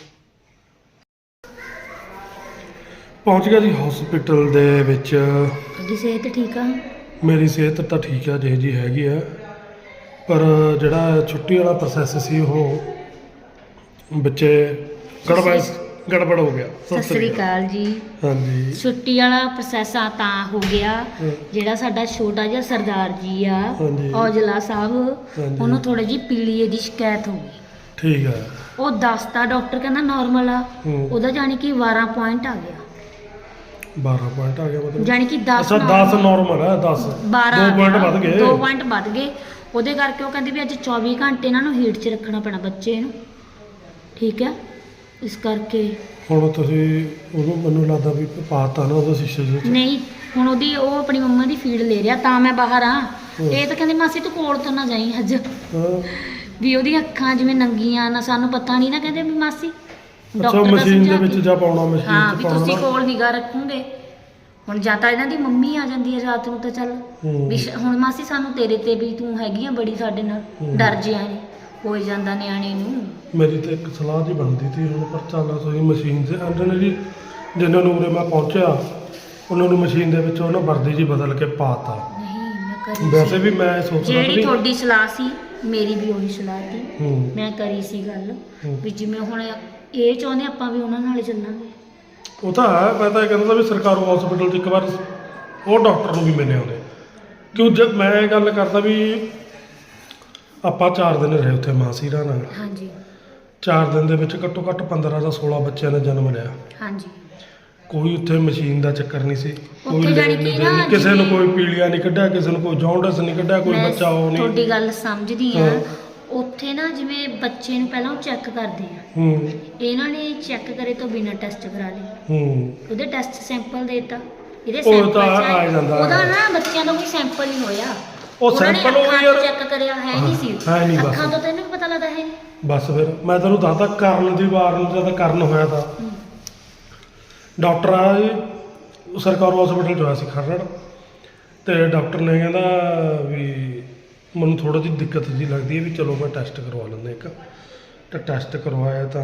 [SPEAKER 1] ਪਹੁੰਚ ਗਿਆ ਜੀ ਹਸਪੀਟਲ ਦੇ ਵਿੱਚ
[SPEAKER 3] ਤੁਹਾਡੀ ਸਿਹਤ ਠੀਕ ਆ
[SPEAKER 1] ਮੇਰੀ ਸਿਹਤ ਤਾਂ ਠੀਕ ਆ ਜਿਹੇ ਜੀ ਹੈਗੀ ਆ ਪਰ ਜਿਹੜਾ ਛੁੱਟੀ ਵਾਲਾ ਪ੍ਰੋਸੈਸ ਸੀ ਉਹ ਬੱਚੇ ਗੜਬੜ ਗੜਬੜ ਹੋ ਗਿਆ
[SPEAKER 3] ਸਤਿ ਸ੍ਰੀ ਅਕਾਲ ਜੀ
[SPEAKER 1] ਹਾਂਜੀ
[SPEAKER 3] ਛੁੱਟੀ ਵਾਲਾ ਪ੍ਰੋਸੈਸ ਆ ਤਾਂ ਹੋ ਗਿਆ
[SPEAKER 1] ਹਾਂ।
[SPEAKER 3] ਜਿਹੜਾ ਸਾਡਾ ਛੋਟਾ ਜਿਹਾ ਸਰਦਾਰ ਜੀ ਆ
[SPEAKER 1] ਹਾਂਜੀ।
[SPEAKER 3] ਔਜਲਾ ਸਾਹਿਬ
[SPEAKER 1] ਹਾਂਜੀ।
[SPEAKER 3] ਉਹਨੂੰ ਥੋੜੀ ਜਿਹੀ ਪੀਲੀਏ ਦੀ ਸ਼ਿਕਾਇਤ ਹੋ ਗਈ
[SPEAKER 1] ਠੀਕ ਆ
[SPEAKER 3] ਉਹ ਦੱਸਤਾ ਡਾਕਟਰ ਕਹਿੰਦਾ ਨਾਰਮਲ ਆ
[SPEAKER 1] ਹੂੰ।
[SPEAKER 3] ਉਹਦਾ ਜਾਣੀ ਕਿ ਬਾਰਾਂ ਪੁਆਇੰਟ ਆ ਗਿਆ
[SPEAKER 1] ਬਾਰਾਂ ਪੁਆਇੰਟ ਆ ਗਿਆ ਮਤਲਬ
[SPEAKER 3] ਜਾਣੀ ਕਿ ਦਸ
[SPEAKER 1] ਅੱਛਾ ਦਸ ਨਾਰਮਲ ਹੈ ਦਸ
[SPEAKER 3] ਬਾਰਾਂ
[SPEAKER 1] ਦੋ ਪੁਆਇੰਟ ਵੱਧ ਗਏ
[SPEAKER 3] ਦੋ ਪੁਆਇੰਟ ਵੱਧ ਗਏ ਉਹਦੇ ਕਰਕੇ ਉਹ ਕਹਿੰਦੇ ਵੀ ਅੱਜ ਚੌਵੀ ਘੰਟੇ ਇਹਨਾਂ ਨੂੰ ਹੀਟ 'ਚ ਰੱਖਣਾ ਪੈਣਾ ਬੱਚੇ ਨੂੰ ਠੀਕ ਹੈ ਇਸ ਕਰਕੇ
[SPEAKER 1] ਹੁਣ ਤੁਸੀਂ ਉਹਨੂੰ ਮੈਨੂੰ ਲੱਗਦਾ ਵੀ ਪਾਤਾ ਨਾ ਉਹਦਾ ਸ਼ੀਸ਼ੇ ਦੇ ਵਿੱਚ
[SPEAKER 3] ਨਹੀਂ ਹੁਣ ਉਹਦੀ ਉਹ ਆਪਣੀ ਮੰਮਾ ਦੀ ਫੀਡ ਲੈ ਰਿਹਾ ਤਾਂ ਮੈਂ ਬਾਹਰ ਆ
[SPEAKER 1] ਹੂੰ।
[SPEAKER 3] ਇਹ ਤਾਂ ਕਹਿੰਦੇ ਮਾਸੀ ਤੂੰ ਕੋਲ ਤੋਂ ਨਾ ਜਾਈਂ ਅੱਜ
[SPEAKER 1] ਹਾਂ
[SPEAKER 3] ਵੀ ਉਹਦੀਆਂ ਅੱਖਾਂ ਜਿਵੇਂ ਨੰਗੀਆਂ ਨਾ ਸਾਨੂੰ ਪਤਾ ਨਹੀਂ ਨਾ ਕਹਿੰਦੇ ਵੀ ਮਾਸੀ
[SPEAKER 1] ਅੱਛਾ
[SPEAKER 3] ਡਾਕਟਰ ਦਾ
[SPEAKER 1] ਮਸ਼ੀਨ ਦੇ
[SPEAKER 3] ਸਮਝਾ
[SPEAKER 1] ਵਿੱਚ
[SPEAKER 3] ਕੇ।
[SPEAKER 1] ਜਾ ਪਾਉਣਾ ਮਸ਼ੀਨ
[SPEAKER 3] ਹਾਂ
[SPEAKER 1] ਚ
[SPEAKER 3] ਵੀ
[SPEAKER 1] ਪਾਉਣਾ
[SPEAKER 3] ਤੁਸੀਂ
[SPEAKER 1] ਨਾ।
[SPEAKER 3] ਕੋਲ ਨਿਗਾਹ ਰੱਖੋਗੇ ਹੁਣ ਜਾਂ ਤਾਂ ਇਹਨਾਂ ਦੀ ਮੰਮੀ ਆ ਜਾਂਦੀ ਹੈ ਰਾਤ ਨੂੰ ਤਾਂ ਚੱਲ
[SPEAKER 1] ਹੂੰ।
[SPEAKER 3] ਵੀ ਸ਼- ਹੁਣ ਮਾਸੀ ਸਾਨੂੰ ਤੇਰੇ ਤੇ ਵੀ ਤੂੰ ਹੈਗੀ ਆ ਬੜੀ ਸਾਡੇ ਨਾਲ
[SPEAKER 1] ਹੂੰ।
[SPEAKER 3] ਡਰ ਜਿਆ ਨੇ ਹੋ ਜਾਂਦਾ ਨਿਆਣੇ ਨੂੰ
[SPEAKER 1] ਮੇਰੀ ਤਾਂ ਇੱਕ ਸਲਾਹ ਜੀ ਬਣਦੀ ਸੀ ਹੁਣ ਪਰ ਚੱਲ ਤੁਸੀਂ ਮਸ਼ੀਨ 'ਤੇ ਆਂਦੇ ਨੇ ਜੀ ਜਿਨ੍ਹਾਂ ਨੂੰ ਉਰੇ ਮੈਂ ਪਹੁੰਚਿਆ ਉਹਨਾਂ ਨੂੰ ਮਸ਼ੀਨ ਦੇ ਵਿੱਚ ਉਹਨਾਂ ਵਰਦੀ ਜੀ ਬਦਲ ਕੇ ਪਾਤਾ
[SPEAKER 3] ਨਹੀਂ ਮੈਂ ਕਰੀ
[SPEAKER 1] ਵੈਸੇ
[SPEAKER 3] ਸੀ।
[SPEAKER 1] ਵੀ ਮੈਂ ਸੋਚਦਾ
[SPEAKER 3] ਜਿਹੜੀ
[SPEAKER 1] ਵੀ
[SPEAKER 3] ਤੁਹਾਡੀ ਸਲਾਹ ਸੀ ਮੇਰੀ ਵੀ ਉਹੀ ਸਲਾਹ ਸੀ
[SPEAKER 1] ਹੂੰ
[SPEAKER 3] ਮੈਂ ਕਰੀ ਸੀ ਗੱਲ
[SPEAKER 1] ਹੂੰ।
[SPEAKER 3] ਵੀ ਜਿਵੇਂ ਹੁਣ ਇਹ ਚਾਹੁੰਦੇ ਆਪਾਂ ਵੀ ਉਹਨਾਂ ਨਾਲ ਹੀ ਚੱਲਾਂਗੇ
[SPEAKER 1] ਉਹ ਤਾਂ ਹੈ ਮੈਂ ਤਾਂ ਇਹ ਕਹਿੰਦਾ ਵੀ ਸਰਕਾਰੀ ਹਸਪੀਟਲ 'ਚ ਇੱਕ ਵਾਰ ਉਹ ਡਾਕਟਰ ਨੂੰ ਵੀ ਮਿਲੇ ਆਉਂਦੇ ਕਿਉਂ ਜਦ ਮੈਂ ਇਹ ਗੱਲ ਕਰਦਾ ਵੀ ਆਪਾਂ ਚਾਰ ਦਿਨ ਰਹੇ ਉੱਥੇ ਮਾਸੀਰਾ ਨਾਲ
[SPEAKER 3] ਹਾਂਜੀ
[SPEAKER 1] ਚਾਰ ਦਿਨ ਦੇ ਵਿੱਚ ਘੱਟੋ ਘੱਟ ਪੰਦਰਾਂ ਜਾਂ ਸੋਲਾਂ ਬੱਚਿਆਂ ਨੇ ਜਨਮ ਲਿਆ
[SPEAKER 3] ਹਾਂਜੀ
[SPEAKER 1] ਕੋਈ ਉੱਥੇ ਮਸ਼ੀਨ ਦਾ ਚੱਕਰ ਨਹੀਂ ਸੀ ਕੋਈ
[SPEAKER 3] ਉੱਥੇ ਜਾਣੀ
[SPEAKER 1] ਲੈਣ
[SPEAKER 3] ਕਿ
[SPEAKER 1] ਦੇਣ
[SPEAKER 3] ਨਾ
[SPEAKER 1] ਨਹੀਂ, ਕਿਸੇ ਨੂੰ
[SPEAKER 3] ਜਿਵੇਂ-
[SPEAKER 1] ਕੋਈ ਪੀਲੀਆ ਨਹੀਂ ਕੱਢਿਆ ਕਿਸੇ ਨੂੰ ਕੋਈ ਜੌਂਡਸ ਨਹੀਂ ਕੱਢਿਆ ਕੋਈ
[SPEAKER 3] ਮੈਂ
[SPEAKER 1] ਬੱਚਾ ਉਹ
[SPEAKER 3] ਤੁਹਾਡੀ
[SPEAKER 1] ਨਹੀਂ
[SPEAKER 3] ਗੱਲ ਸਮਝਦੀ ਆ
[SPEAKER 1] ਹਾਂ।
[SPEAKER 3] ਉੱਥੇ ਨਾ ਜਿਵੇਂ ਬੱਚੇ ਨੂੰ ਪਹਿਲਾਂ ਉਹ ਚੈੱਕ ਕਰਦੇ ਆ
[SPEAKER 1] ਹੂੰ
[SPEAKER 3] ਇਹਨਾਂ ਨੇ ਚੈੱਕ ਕਰੇ ਤੋਂ ਬਿਨਾਂ ਟੈਸਟ ਕਰਾ ਲਏ
[SPEAKER 1] ਹੂੰ
[SPEAKER 3] ਉਹਦੇ ਟੈਸਟ ਸੈਂਪਲ ਦੇਤਾ ਇਹਦੇ
[SPEAKER 1] ਉਹ
[SPEAKER 3] ਸੈਂਪਲ
[SPEAKER 1] ਤਾਂ
[SPEAKER 3] ਚ
[SPEAKER 1] ਆ ਜਾਂਦਾ ਹੈ।
[SPEAKER 3] ਉਹਦਾ ਨਾ ਬੱਚਿਆਂ ਦਾ ਕੋਈ ਸੈਂਪਲ ਹੀ ਹੋਇਆ
[SPEAKER 1] ਉਹ ਸੈਂਪਲ ਉਹ ਯਾਰ
[SPEAKER 3] ਚੈੱਕ ਕਰਿਆ ਹੈ ਨਹੀਂ ਸੀ
[SPEAKER 1] ਹੈ ਨਹੀਂ ਬਸ।
[SPEAKER 3] ਅੱਖਾਂ ਤੋਂ ਤੈਨੂੰ ਵੀ ਪਤਾ ਲੱਗਦਾ ਹੈ ਨਹੀਂ
[SPEAKER 1] ਬਸ ਫਿਰ ਮੈਂ ਤੈਨੂੰ ਦੱਸਦਾ ਕਰਨ ਦੀ ਵਾਰ ਨੂੰ ਜਦ ਕਰਨ ਹੋਇਆ ਤਾਂ
[SPEAKER 3] ਹੂੰ।
[SPEAKER 1] ਡਾਕਟਰ ਆ ਜੀ ਸਰਕਾਰੀ ਹਸਪੀਟਲ 'ਚ ਹੋਇਆ ਸੀ ਖਰੜ ਤੇ ਡਾਕਟਰ ਨੇ ਕਹਿੰਦਾ ਵੀ ਮੈਨੂੰ ਥੋੜਾ ਜਿਹੀ ਦਿੱਕਤ ਜੀ ਲੱਗਦੀ ਹੈ ਵੀ ਚਲੋ ਮੈਂ ਟੈਸਟ ਕਰਵਾ ਲੈਂਦਾ ਇੱਕ ਤੇ ਟੈਸਟ ਕਰਵਾਇਆ ਤਾਂ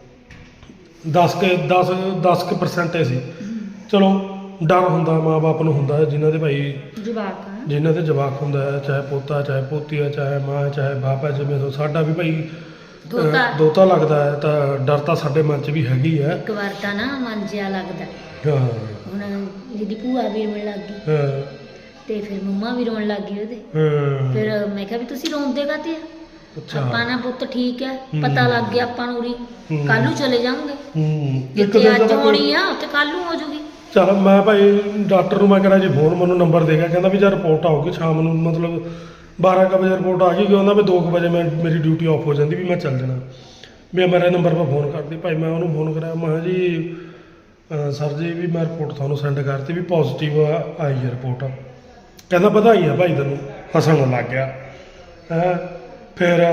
[SPEAKER 1] ਦਸ ਕੇ ਦਸ ਦਸ ਕੁ percent ਹੀ ਸੀ ਚਲੋ ਡਰ ਹੁੰਦਾ ਮਾਂ-ਬਾਪ ਨੂੰ ਹੁੰਦਾ ਹੈ, ਜਿਨ੍ਹਾਂ ਦੇ ਭਾਈ
[SPEAKER 3] ਜਵਾਕ ਆ
[SPEAKER 1] ਜਿਨ੍ਹਾਂ ਦੇ ਜਵਾਕ ਹੁੰਦਾ ਹੈ ਚਾਹੇ ਪੋਤਾ ਚਾਹੇ ਪੋਤੀ ਹੈ ਚਾਹੇ ਮਾਂ ਚਾਹੇ ਬਾਪ ਹੈ ਜਿਵੇਂ ਤੋਂ ਸਾਡਾ ਵੀ ਭਾਈ ਅਹ,
[SPEAKER 3] ਦੋਤਾ।
[SPEAKER 1] ਦੋਤਾ ਲੱਗਦਾ ਹੈ ਤਾਂ ਡਰ ਤਾਂ ਸਾਡੇ ਮਨ 'ਚ ਵੀ ਹੈਗੀ ਹੈ
[SPEAKER 3] ਇੱਕ ਵਾਰ ਤਾਂ ਨਾ ਮਨ ਜਿਹਾ ਲੱਗਦਾ
[SPEAKER 1] ਹਾਂ
[SPEAKER 3] ਹੁਣ ਜਿਹਦੀ ਭੂਆ ਵੀ ਰੋਣ ਲੱਗ ਗਈ
[SPEAKER 1] ਹਾਂ
[SPEAKER 3] ਤੇ ਫਿਰ ਮੰਮਾ ਵੀ ਰੋਣ ਲੱਗ ਗਈ ਉਹਦੇ
[SPEAKER 1] ਹਾਂ
[SPEAKER 3] ਫਿਰ ਮੈਂ ਕਿਹਾ ਵੀ ਤੁਸੀਂ ਰੋਂਦੇ ਕਾਤੇ ਆ
[SPEAKER 1] ਅੱਛਾ
[SPEAKER 3] ਆਪਾਂ ਨਾ ਪੁੱਤ ਠੀਕ ਹੈ
[SPEAKER 1] ਹੂੰ।
[SPEAKER 3] ਪਤਾ ਲੱਗ ਗਿਆ ਆਪਾਂ ਨੂੰ ਉਰੀ
[SPEAKER 1] ਹੂੰ।
[SPEAKER 3] ਕੱਲ ਨੂੰ ਚਲੇ ਜਾਵਾਂਗੇ
[SPEAKER 1] ਹੂੰ ਇੱਕ
[SPEAKER 3] ਜਿੱਥੇ
[SPEAKER 1] ਦਿਨ
[SPEAKER 3] ਅੱਜ
[SPEAKER 1] ਦਾ
[SPEAKER 3] ਹੋਣੀ ਆ ਉੱਥੇ ਕੱਲ ਨੂੰ ਹੋ ਜੂਗੀ
[SPEAKER 1] ਚਲ ਮੈਂ ਭਾਈ ਡਾਕਟਰ ਨੂੰ ਮੈਂ ਕਰਾਂ ਜੀ ਫੋਨ ਮੈਨੂੰ ਨੰਬਰ ਦੇ ਗਿਆ ਕਹਿੰਦਾ ਵੀ ਜਦ ਰਿਪੋਰਟ ਆਊਗੀ ਸ਼ਾਮ ਨੂੰ ਮਤਲਬ ਬਾਰਾਂ ਕੁ ਵਜੇ ਰਿਪੋਰਟ ਆ ਗਈ ਕਿ ਉਹਦਾ ਵੀ ਦੋ ਕੁ ਵਜੇ ਮੈਂ ਮੇਰੀ ਡਿਊਟੀ ਆਫ ਹੋ ਜਾਂਦੀ ਵੀ ਮੈਂ ਚੱਲ ਜਾਣਾ ਵੀ ਮੇਰੇ ਨੰਬਰ 'ਤੇ ਫੋਨ ਕਰਦੀ ਭਾਈ ਮੈਂ ਉਹਨੂੰ ਫੋਨ ਕਰਿਆ ਮੈਂ ਕਿਹਾ ਜੀ ਅਹ ਸਰ ਜੀ ਵੀ ਮੈਂ ਰਿਪੋਰਟ ਤੁਹਾਨੂੰ ਸੈਂਡ ਕਰਤੀ ਵੀ ਪੋਜ਼ਿਟਿਵ ਆਈ ਹੈ ਰਿਪੋਰਟ ਕਹਿੰਦਾ ਵਧਾਈਆਂ ਭਾਈ ਤੈਨੂੰ ਹੱਸਣ ਲੱਗ ਗਿਆ ਹੈਂ ਫਿਰ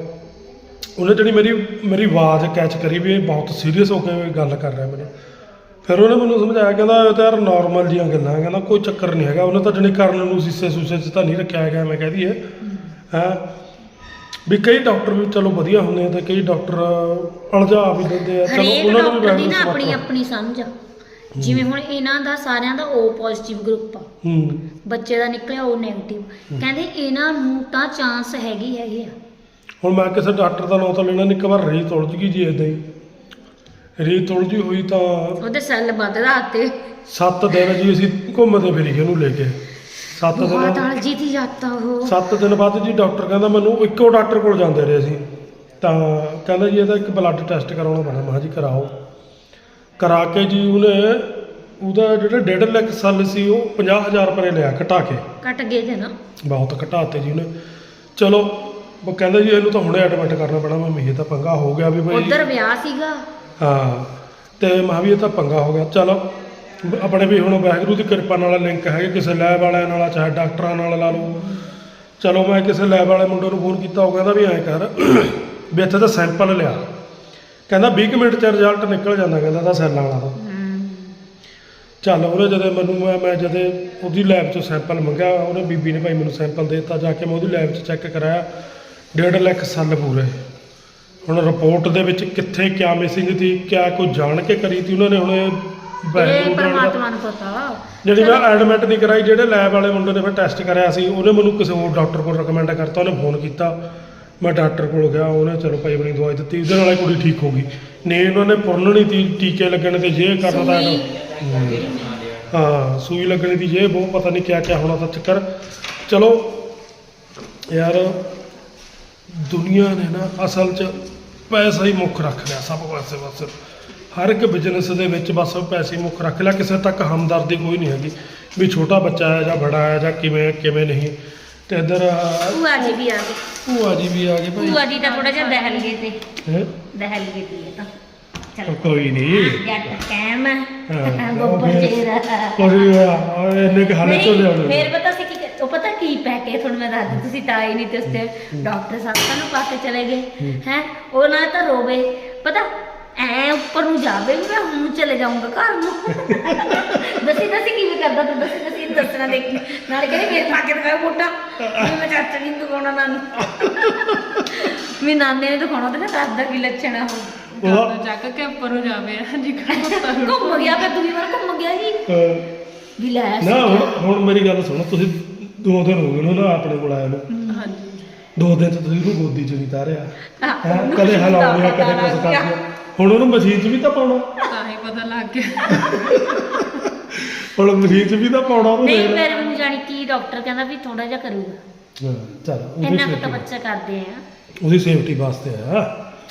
[SPEAKER 1] ਉਹਨੇ ਜਿਹੜੀ ਮੇਰੀ ਮੇਰੀ ਆਵਾਜ਼ ਕੈਚ ਕਰੀ ਵੀ ਇਹ ਬਹੁਤ ਸੀਰੀਅਸ ਹੋ ਕੇ ਗੱਲ ਕਰ ਰਿਹਾ ਮੈਨੂੰ ਫਿਰ ਉਹਨੇ ਮੈਨੂੰ ਸਮਝਾਇਆ ਕਹਿੰਦਾ ਇਹ ਤਾਂ ਯਾਰ ਨਾਰਮਲ ਜੀਆਂ ਗੱਲਾਂ ਕਹਿੰਦਾ ਕੋਈ ਚੱਕਰ ਨਹੀਂ ਹੈਗਾ ਉਹਨੇ ਤਾਂ ਜਣੀ ਕਰਨ ਨੂੰ ਸੀਸੇ ਸੂਸੇ 'ਚ ਤਾਂ ਨਹੀਂ ਰੱਖਿਆ ਹੈਗਾ ਮੈਂ ਕਹਿ ਦਈਏ ਹੈਂ ਵੀ ਕਈ ਡਾਕਟਰ ਵੀ ਚਲੋ ਵਧੀਆ ਹੁੰਦੇ ਆ ਤੇ ਕਈ ਡਾਕਟਰ ਅਲਝਾ ਵੀ ਦਿੰਦੇ ਆ ਚਲੋ
[SPEAKER 3] ਹਰੇਕ
[SPEAKER 1] ਉਹਨਾਂ ਨੂੰ ਵੀ
[SPEAKER 3] ਡਾਕਟਰ ਦੀ
[SPEAKER 1] ਵੈਸੇ
[SPEAKER 3] ਨਾ ਆਪਣੀ ਆਪਣੀ ਸਮਝ ਆ ਜਿਵੇਂ ਹੁਣ ਇਹਨਾਂ ਦਾ ਸਾਰਿਆਂ ਦਾ O ਪੋਜ਼ਿਟਿਵ ਗਰੁੱਪ ਆ
[SPEAKER 1] ਹੂੰ
[SPEAKER 3] ਬੱਚੇ ਦਾ ਨਿਕਲਿਆ O ਨੈਗੇਟਿਵ ਕਹਿੰਦੇ ਇਹਨਾਂ ਨੂੰ ਤਾਂ ਚਾਂਸ ਹੈਗੀ ਹੈਗੇ ਆ
[SPEAKER 1] ਹੁਣ ਮੈਂ ਕਿਸੇ ਡਾਕਟਰ ਦਾ ਨਾਂ ਤਾਂ ਲੈਣਾ ਨਹੀਂ ਇੱਕ ਵਾਰ ਰੀ ਤੁਲਝ ਗਈ ਜੀ ਇਦਾਂ ਹੀ ਰੀ ਤੁਲਝੀ ਹੋਈ ਤਾਂ
[SPEAKER 3] ਉਹਦੇ ਸੈੱਲ ਵੱਧ ਰਾਤੇ
[SPEAKER 1] ਸੱਤ ਦਿਨ ਜੀ ਅਸੀਂ ਘੁੰਮਦੇ ਫਿਰੀ ਉਹਨੂੰ ਲੈ ਕੇ ਸੱਤ
[SPEAKER 3] ਬਹੁਤ
[SPEAKER 1] ਦਿਨ
[SPEAKER 3] ਅਲਜੀ ਦੀ ਜਾਤਾ ਉਹ
[SPEAKER 1] ਸੱਤ ਦਿਨ ਬਾਅਦ ਜੀ ਡਾਕਟਰ ਕਹਿੰਦਾ ਮੈਨੂੰ ਇੱਕੋ ਡਾਕਟਰ ਕੋਲ ਜਾਂਦੇ ਰਹੇ ਅਸੀਂ ਤਾਂ ਕਹਿੰਦਾ ਜੀ ਇਹਦਾ ਇੱਕ ਬਲੱਡ ਟੈਸਟ ਕਰਾਉਣਾ ਪੈਣਾ ਮੈਂ ਕਿਹਾ ਜੀ ਕਰਾਓ ਕਰਾ ਕੇ ਜੀ ਉਹਨੇ ਉਹਦਾ ਜਿਹੜਾ ਡੇਢ ਲੱਖ ਸੈੱਲ ਸੀ ਉਹ ਪੰਜਾਹ ਹਜ਼ਾਰ ਰੁਪਏ ਲਿਆ ਘਟਾ ਕੇ
[SPEAKER 3] ਕੱਟ ਗਏ ਤੇ ਨਾ
[SPEAKER 1] ਬਹੁਤ ਘਟਾਤੇ ਜੀ ਉਹਨੇ ਚਲੋ ਉਹ ਕਹਿੰਦਾ ਜੀ ਇਹਨੂੰ ਤਾਂ ਹੁਣੇ ਐਡਮਿਟ ਕਰਨਾ ਪੈਣਾ ਮੈਂ ਇਹ ਤਾਂ ਪੰਗਾ ਹੋ ਗਿਆ ਵੀ ਭਾਈ
[SPEAKER 3] ਉਧਰ ਵਿਆਹ ਸੀਗਾ
[SPEAKER 1] ਹਾਂ ਤੇ ਮੈਂ ਵੀ ਇਹ ਤਾਂ ਪੰਗਾ ਹੋ ਗਿਆ ਚਲ ਆਪਣੇ ਵੀ ਹੁਣ ਵਾਹਿਗੁਰੂ ਦੀ ਕਿਰਪਾ ਨਾਲ ਲਿੰਕ ਹੈਗੇ ਕਿਸੇ ਲੈਬ ਵਾਲਿਆਂ ਨਾਲ ਚਾਹੇ ਡਾਕਟਰਾਂ ਨਾਲ ਲਾ ਲਓ ਚਲੋ ਮੈਂ ਕਿਸੇ ਲੈਬ ਵਾਲੇ ਮੁੰਡੇ ਨੂੰ ਫੋਨ ਕੀਤਾ ਉਹ ਕਹਿੰਦਾ ਵੀ ਐਂ ਕਰ ਵੀ ਇੱਥੇ ਤਾਂ ਸੈਂਪਲ ਲਿਆ ਕਹਿੰਦਾ ਵੀਹ ਕੁ ਮਿੰਟ 'ਚ ਰਿਜ਼ਲਟ ਨਿਕਲ ਜਾਂਦਾ ਕਹਿੰਦਾ ਤਾਂ ਸੈੱਲਾਂ ਵਾਲਾ ਤਾਂ ਚੱਲ ਉਹਨੇ ਜਦੋਂ ਮੈਨੂੰ ਮੈਂ ਮੈਂ ਜਦੋਂ ਉਹਦੀ ਲੈਬ 'ਚੋਂ ਸੈਂਪਲ ਮੰਗਿਆ, ਉਹਨੇ ਬੀਬੀ ਨੇ ਭਾਈ ਮੈਨੂੰ ਸੈਂਪਲ ਦੇ ਦਿੱਤਾ, ਜਾ ਕੇ ਮੈਂ ਉਹਦੀ ਲੈਬ 'ਚ ਚੈੱਕ ਕਰਾਇਆ, ਡੇਢ ਲੱਖ ਸੈੱਲ ਪੂਰੇ। ਹੁਣ ਰਿਪੋਰਟ ਦੇ ਵਿੱਚ ਕਿੱਥੇ ਕਿਆ ਮਿਸਿੰਗ ਸੀ, ਕਿਆ ਕੋਈ ਜਾਣ ਕੇ ਕਰੀ ਤੀ ਉਹਨਾਂ ਨੇ, ਹੁਣ ਇਹ
[SPEAKER 3] ਇਹ
[SPEAKER 1] ਵਾਹਿਗੁਰੂ
[SPEAKER 3] ਪਰਮਾਤਮਾ
[SPEAKER 1] ਜਾਣਦਾ।
[SPEAKER 3] ਨੂੰ ਪਤਾ।
[SPEAKER 1] ਜਿਹੜੀ ਮੈਂ ਐਡਮਿਟ ਨਹੀਂ ਕਰਾਈ, ਜਿਹੜੇ ਲੈਬ ਵਾਲੇ ਮੁੰਡੇ ਨੇ ਫਿਰ ਟੈਸਟ ਕਰਿਆ ਸੀ, ਉਹਨੇ ਮੈਨੂੰ ਕਿਸੇ ਹੋਰ ਡਾਕਟਰ ਕੋਲ ਰეკਮੈਂਡ ਕਰਤਾ, ਉਹਨੇ ਫੋਨ ਕੀਤਾ, ਮੈਂ ਡਾਕਟਰ ਕੋਲ ਗਿਆ, ਉਹਨੇ ਚਲੋ ਭਾਈ ਆਪਣੀ ਦਵਾਈ ਦਿੱਤੀ, ਉਹਦੇ ਨਾਲ ਹੀ ਕੁੜੀ ਠੀਕ ਹੋ ਗਈ। ਨਹੀਂ ਉਹਨਾਂ ਨੇ ਪੁਰਨਣੀ ਤੀ, ਟੀਕੇ ਲੱਗਣੇ ਤੇ ਜੇ ਕਰਨਾ ਤਾਂ
[SPEAKER 3] ਸੂਈ।
[SPEAKER 1] ਹਾਂ ਸੂਈ ਲੱਗਣੀ ਦੀ ਜੇ ਬਹੁਤ ਪਤਾ ਨਹੀਂ ਕਿਆ ਕਿਆ ਹੋਣਾ ਤਾਂ ਚੱਕਰ। ਚਲੋ ਯਾਰ ਦੁਨੀਆ ਨੇ ਨਾ ਅਸਲ 'ਚ ਪੈਸਾ ਹੀ ਮੁੱਖ ਰੱਖ ਲਿਆ ਸਭ ਪਾਸੇ, ਬਸ ਹਰ ਇੱਕ ਬਿਜ਼ਨਸ ਦੇ ਵਿੱਚ ਬਸ ਪੈਸੇ ਹੀ ਮੁੱਖ ਰੱਖ ਲਿਆ, ਕਿਸੇ ਤੱਕ ਹਮਦਰਦੀ ਕੋਈ ਨਹੀਂ ਹੈਗੀ ਵੀ ਛੋਟਾ ਬੱਚਾ ਹੈ ਜਾਂ ਬੜਾ ਹੈ ਜਾਂ ਕਿਵੇਂ ਕਿਵੇਂ ਨਹੀਂ। ਤੇ ਇੱਧਰ
[SPEAKER 3] ਭੂਆ ਜੀ ਵੀ ਆ ਗਏ।
[SPEAKER 1] ਭੂਆ ਜੀ ਵੀ ਆ ਗਏ ਭਾਈ।
[SPEAKER 3] ਭੂਆ ਜੀ ਤਾਂ ਥੋੜਾ ਜਿਹਾ ਦਹਿਲ ਗਏ ਤੇ
[SPEAKER 1] ਹੈਂ?
[SPEAKER 3] ਦਹਿਲ ਗਏ ਤੇ ਇਹ ਤਾਂ ਚਲ
[SPEAKER 1] ਕੋਈ ਨਹੀਂ
[SPEAKER 3] ਜੱਟ ਕੈਮ
[SPEAKER 1] ਹਾਂ,
[SPEAKER 3] ਬੱਬਰ
[SPEAKER 1] ਫਿਰ-
[SPEAKER 3] ਚਿਹਰਾ
[SPEAKER 1] ਕੋਈ ਇੰਨੇ ਕੁ ਹਾਲੇ ਤੋਂ
[SPEAKER 3] ਨਹੀਂ,
[SPEAKER 1] ਲਿਆਉਣੇ
[SPEAKER 3] ਫਿਰ ਪਤਾ ਸੀ ਕੀ ਉਹ ਪਤਾ ਕੀ ਪੈ ਕੇ ਤੁਹਾਨੂੰ ਮੈਂ ਦੱਸਦੀ, ਤੁਸੀਂ ਤਾਂ ਆਏ ਨਹੀਂ ਤੇ ਉਸਤੇ ਡਾਕਟਰ ਸਾਹਿਬ ਸਾਨੂੰ ਪਾ ਕੇ ਚਲੇ ਗਏ ਹੈ। ਉਹ ਨਾ ਤਾਂ ਰੋਵੇ, ਪਤਾ ਐ ਉੱਪਰ ਨੂੰ ਜਾਵੇ ਵੀ ਮੈਂ ਹੁਣ ਚਲੇ ਜਾਊਂਗਾ ਘਰ ਨੂੰ। ਦੱਸੀ ਦੱਸੀ ਕਿਵੇਂ ਕਰਦਾ ਤੂੰ, ਦੱਸੀ ਦੱਸੀ ਇਹਨੂੰ ਦੱਸਣਾ ਦੇਖ, ਨਾਲੇ ਕਹਿੰਦੇ ਮੇਰੇ ਪਾ ਕੇ ਦਿਖਾਓ ਫੋਟਾ, ਮੈਂ ਚਾਚਾ ਜੀ ਨੂੰ ਦਿਖਾਉਣਾ ਨਾਨੀ, ਵੀ ਨਾਨੇ ਨੇ ਦਿਖਾਉਣਾ ਤੇ ਨਾ ਦੱਸਦਾ ਕੀ ਲੱਛਣ ਆ ਉਹ।
[SPEAKER 2] ਗੱਲ ਚੱਕ ਕੇ ਉੱਪਰ ਨੂੰ ਜਾਵੇ ਜੀ
[SPEAKER 3] ਘੁੰਮ ਗਿਆ ਫਿਰ ਦੂਜੀ ਵਾਰ ਘੁੰਮ ਗਿਆ ਜੀ
[SPEAKER 1] ਅਹ
[SPEAKER 3] ਵੀ ਲੈ
[SPEAKER 1] ਨਾ ਹੁਣ ਹੁਣ ਮੇਰੀ ਗੱਲ ਸੁਣੋ, ਤੁਸੀਂ ਦੋ ਦਿਨ ਹੋ ਗਏ ਨੂੰ ਨਾ ਆਪਣੇ ਕੋਲ ਆਇਆ ਨੂੰ,
[SPEAKER 2] ਹਾਂਜੀ
[SPEAKER 1] ਦੋ ਦਿਨ ਤੋਂ ਤੁਸੀਂ ਉਹਨੂੰ ਗੋਦੀ 'ਚ ਨਹੀਂ ਤਾਰਿਆ
[SPEAKER 3] ਹਾਂ,
[SPEAKER 1] ਹੈਂ?
[SPEAKER 3] ਉਹਨੂੰ
[SPEAKER 1] ਕਦੇ ਹਿਲਾਉਂਦੇ ਆ,
[SPEAKER 3] ਪਤਾ
[SPEAKER 1] ਕਦੇ
[SPEAKER 3] ਲੱਗ
[SPEAKER 1] ਕੁਛ
[SPEAKER 3] ਗਿਆ।
[SPEAKER 1] ਕਰਦੇ ਆ। ਹੁਣ ਉਹਨੂੰ ਮਸ਼ੀਨ 'ਚ ਵੀ ਤਾਂ ਪਾਉਣਾ,
[SPEAKER 2] ਤਾਂ ਹੀ ਪਤਾ ਲੱਗ ਗਿਆ।
[SPEAKER 1] ਹੁਣ ਮਸ਼ੀਨ 'ਚ ਵੀ ਤਾਂ ਪਾਉਣਾ ਉਹਨੂੰ।
[SPEAKER 3] ਨਹੀਂ
[SPEAKER 1] ਦੇਖ ਲੈ।
[SPEAKER 3] ਫਿਰ ਮੈਨੂੰ ਜਾਣੀ ਕੀ ਡਾਕਟਰ ਕਹਿੰਦਾ ਵੀ ਥੋੜਾ ਜਿਹਾ ਕਰੂਗਾ,
[SPEAKER 1] ਹਾਂ, ਚੱਲ ਉਹਦੀ
[SPEAKER 3] ਇੰਨਾ ਕੁ ਤਾਂ
[SPEAKER 1] ਸੇਫਟੀ
[SPEAKER 3] ਬੱਚਾ ਕਰਦੇ ਆ,
[SPEAKER 1] ਉਹਦੀ ਸੇਫਟੀ ਵਾਸਤੇ ਆ,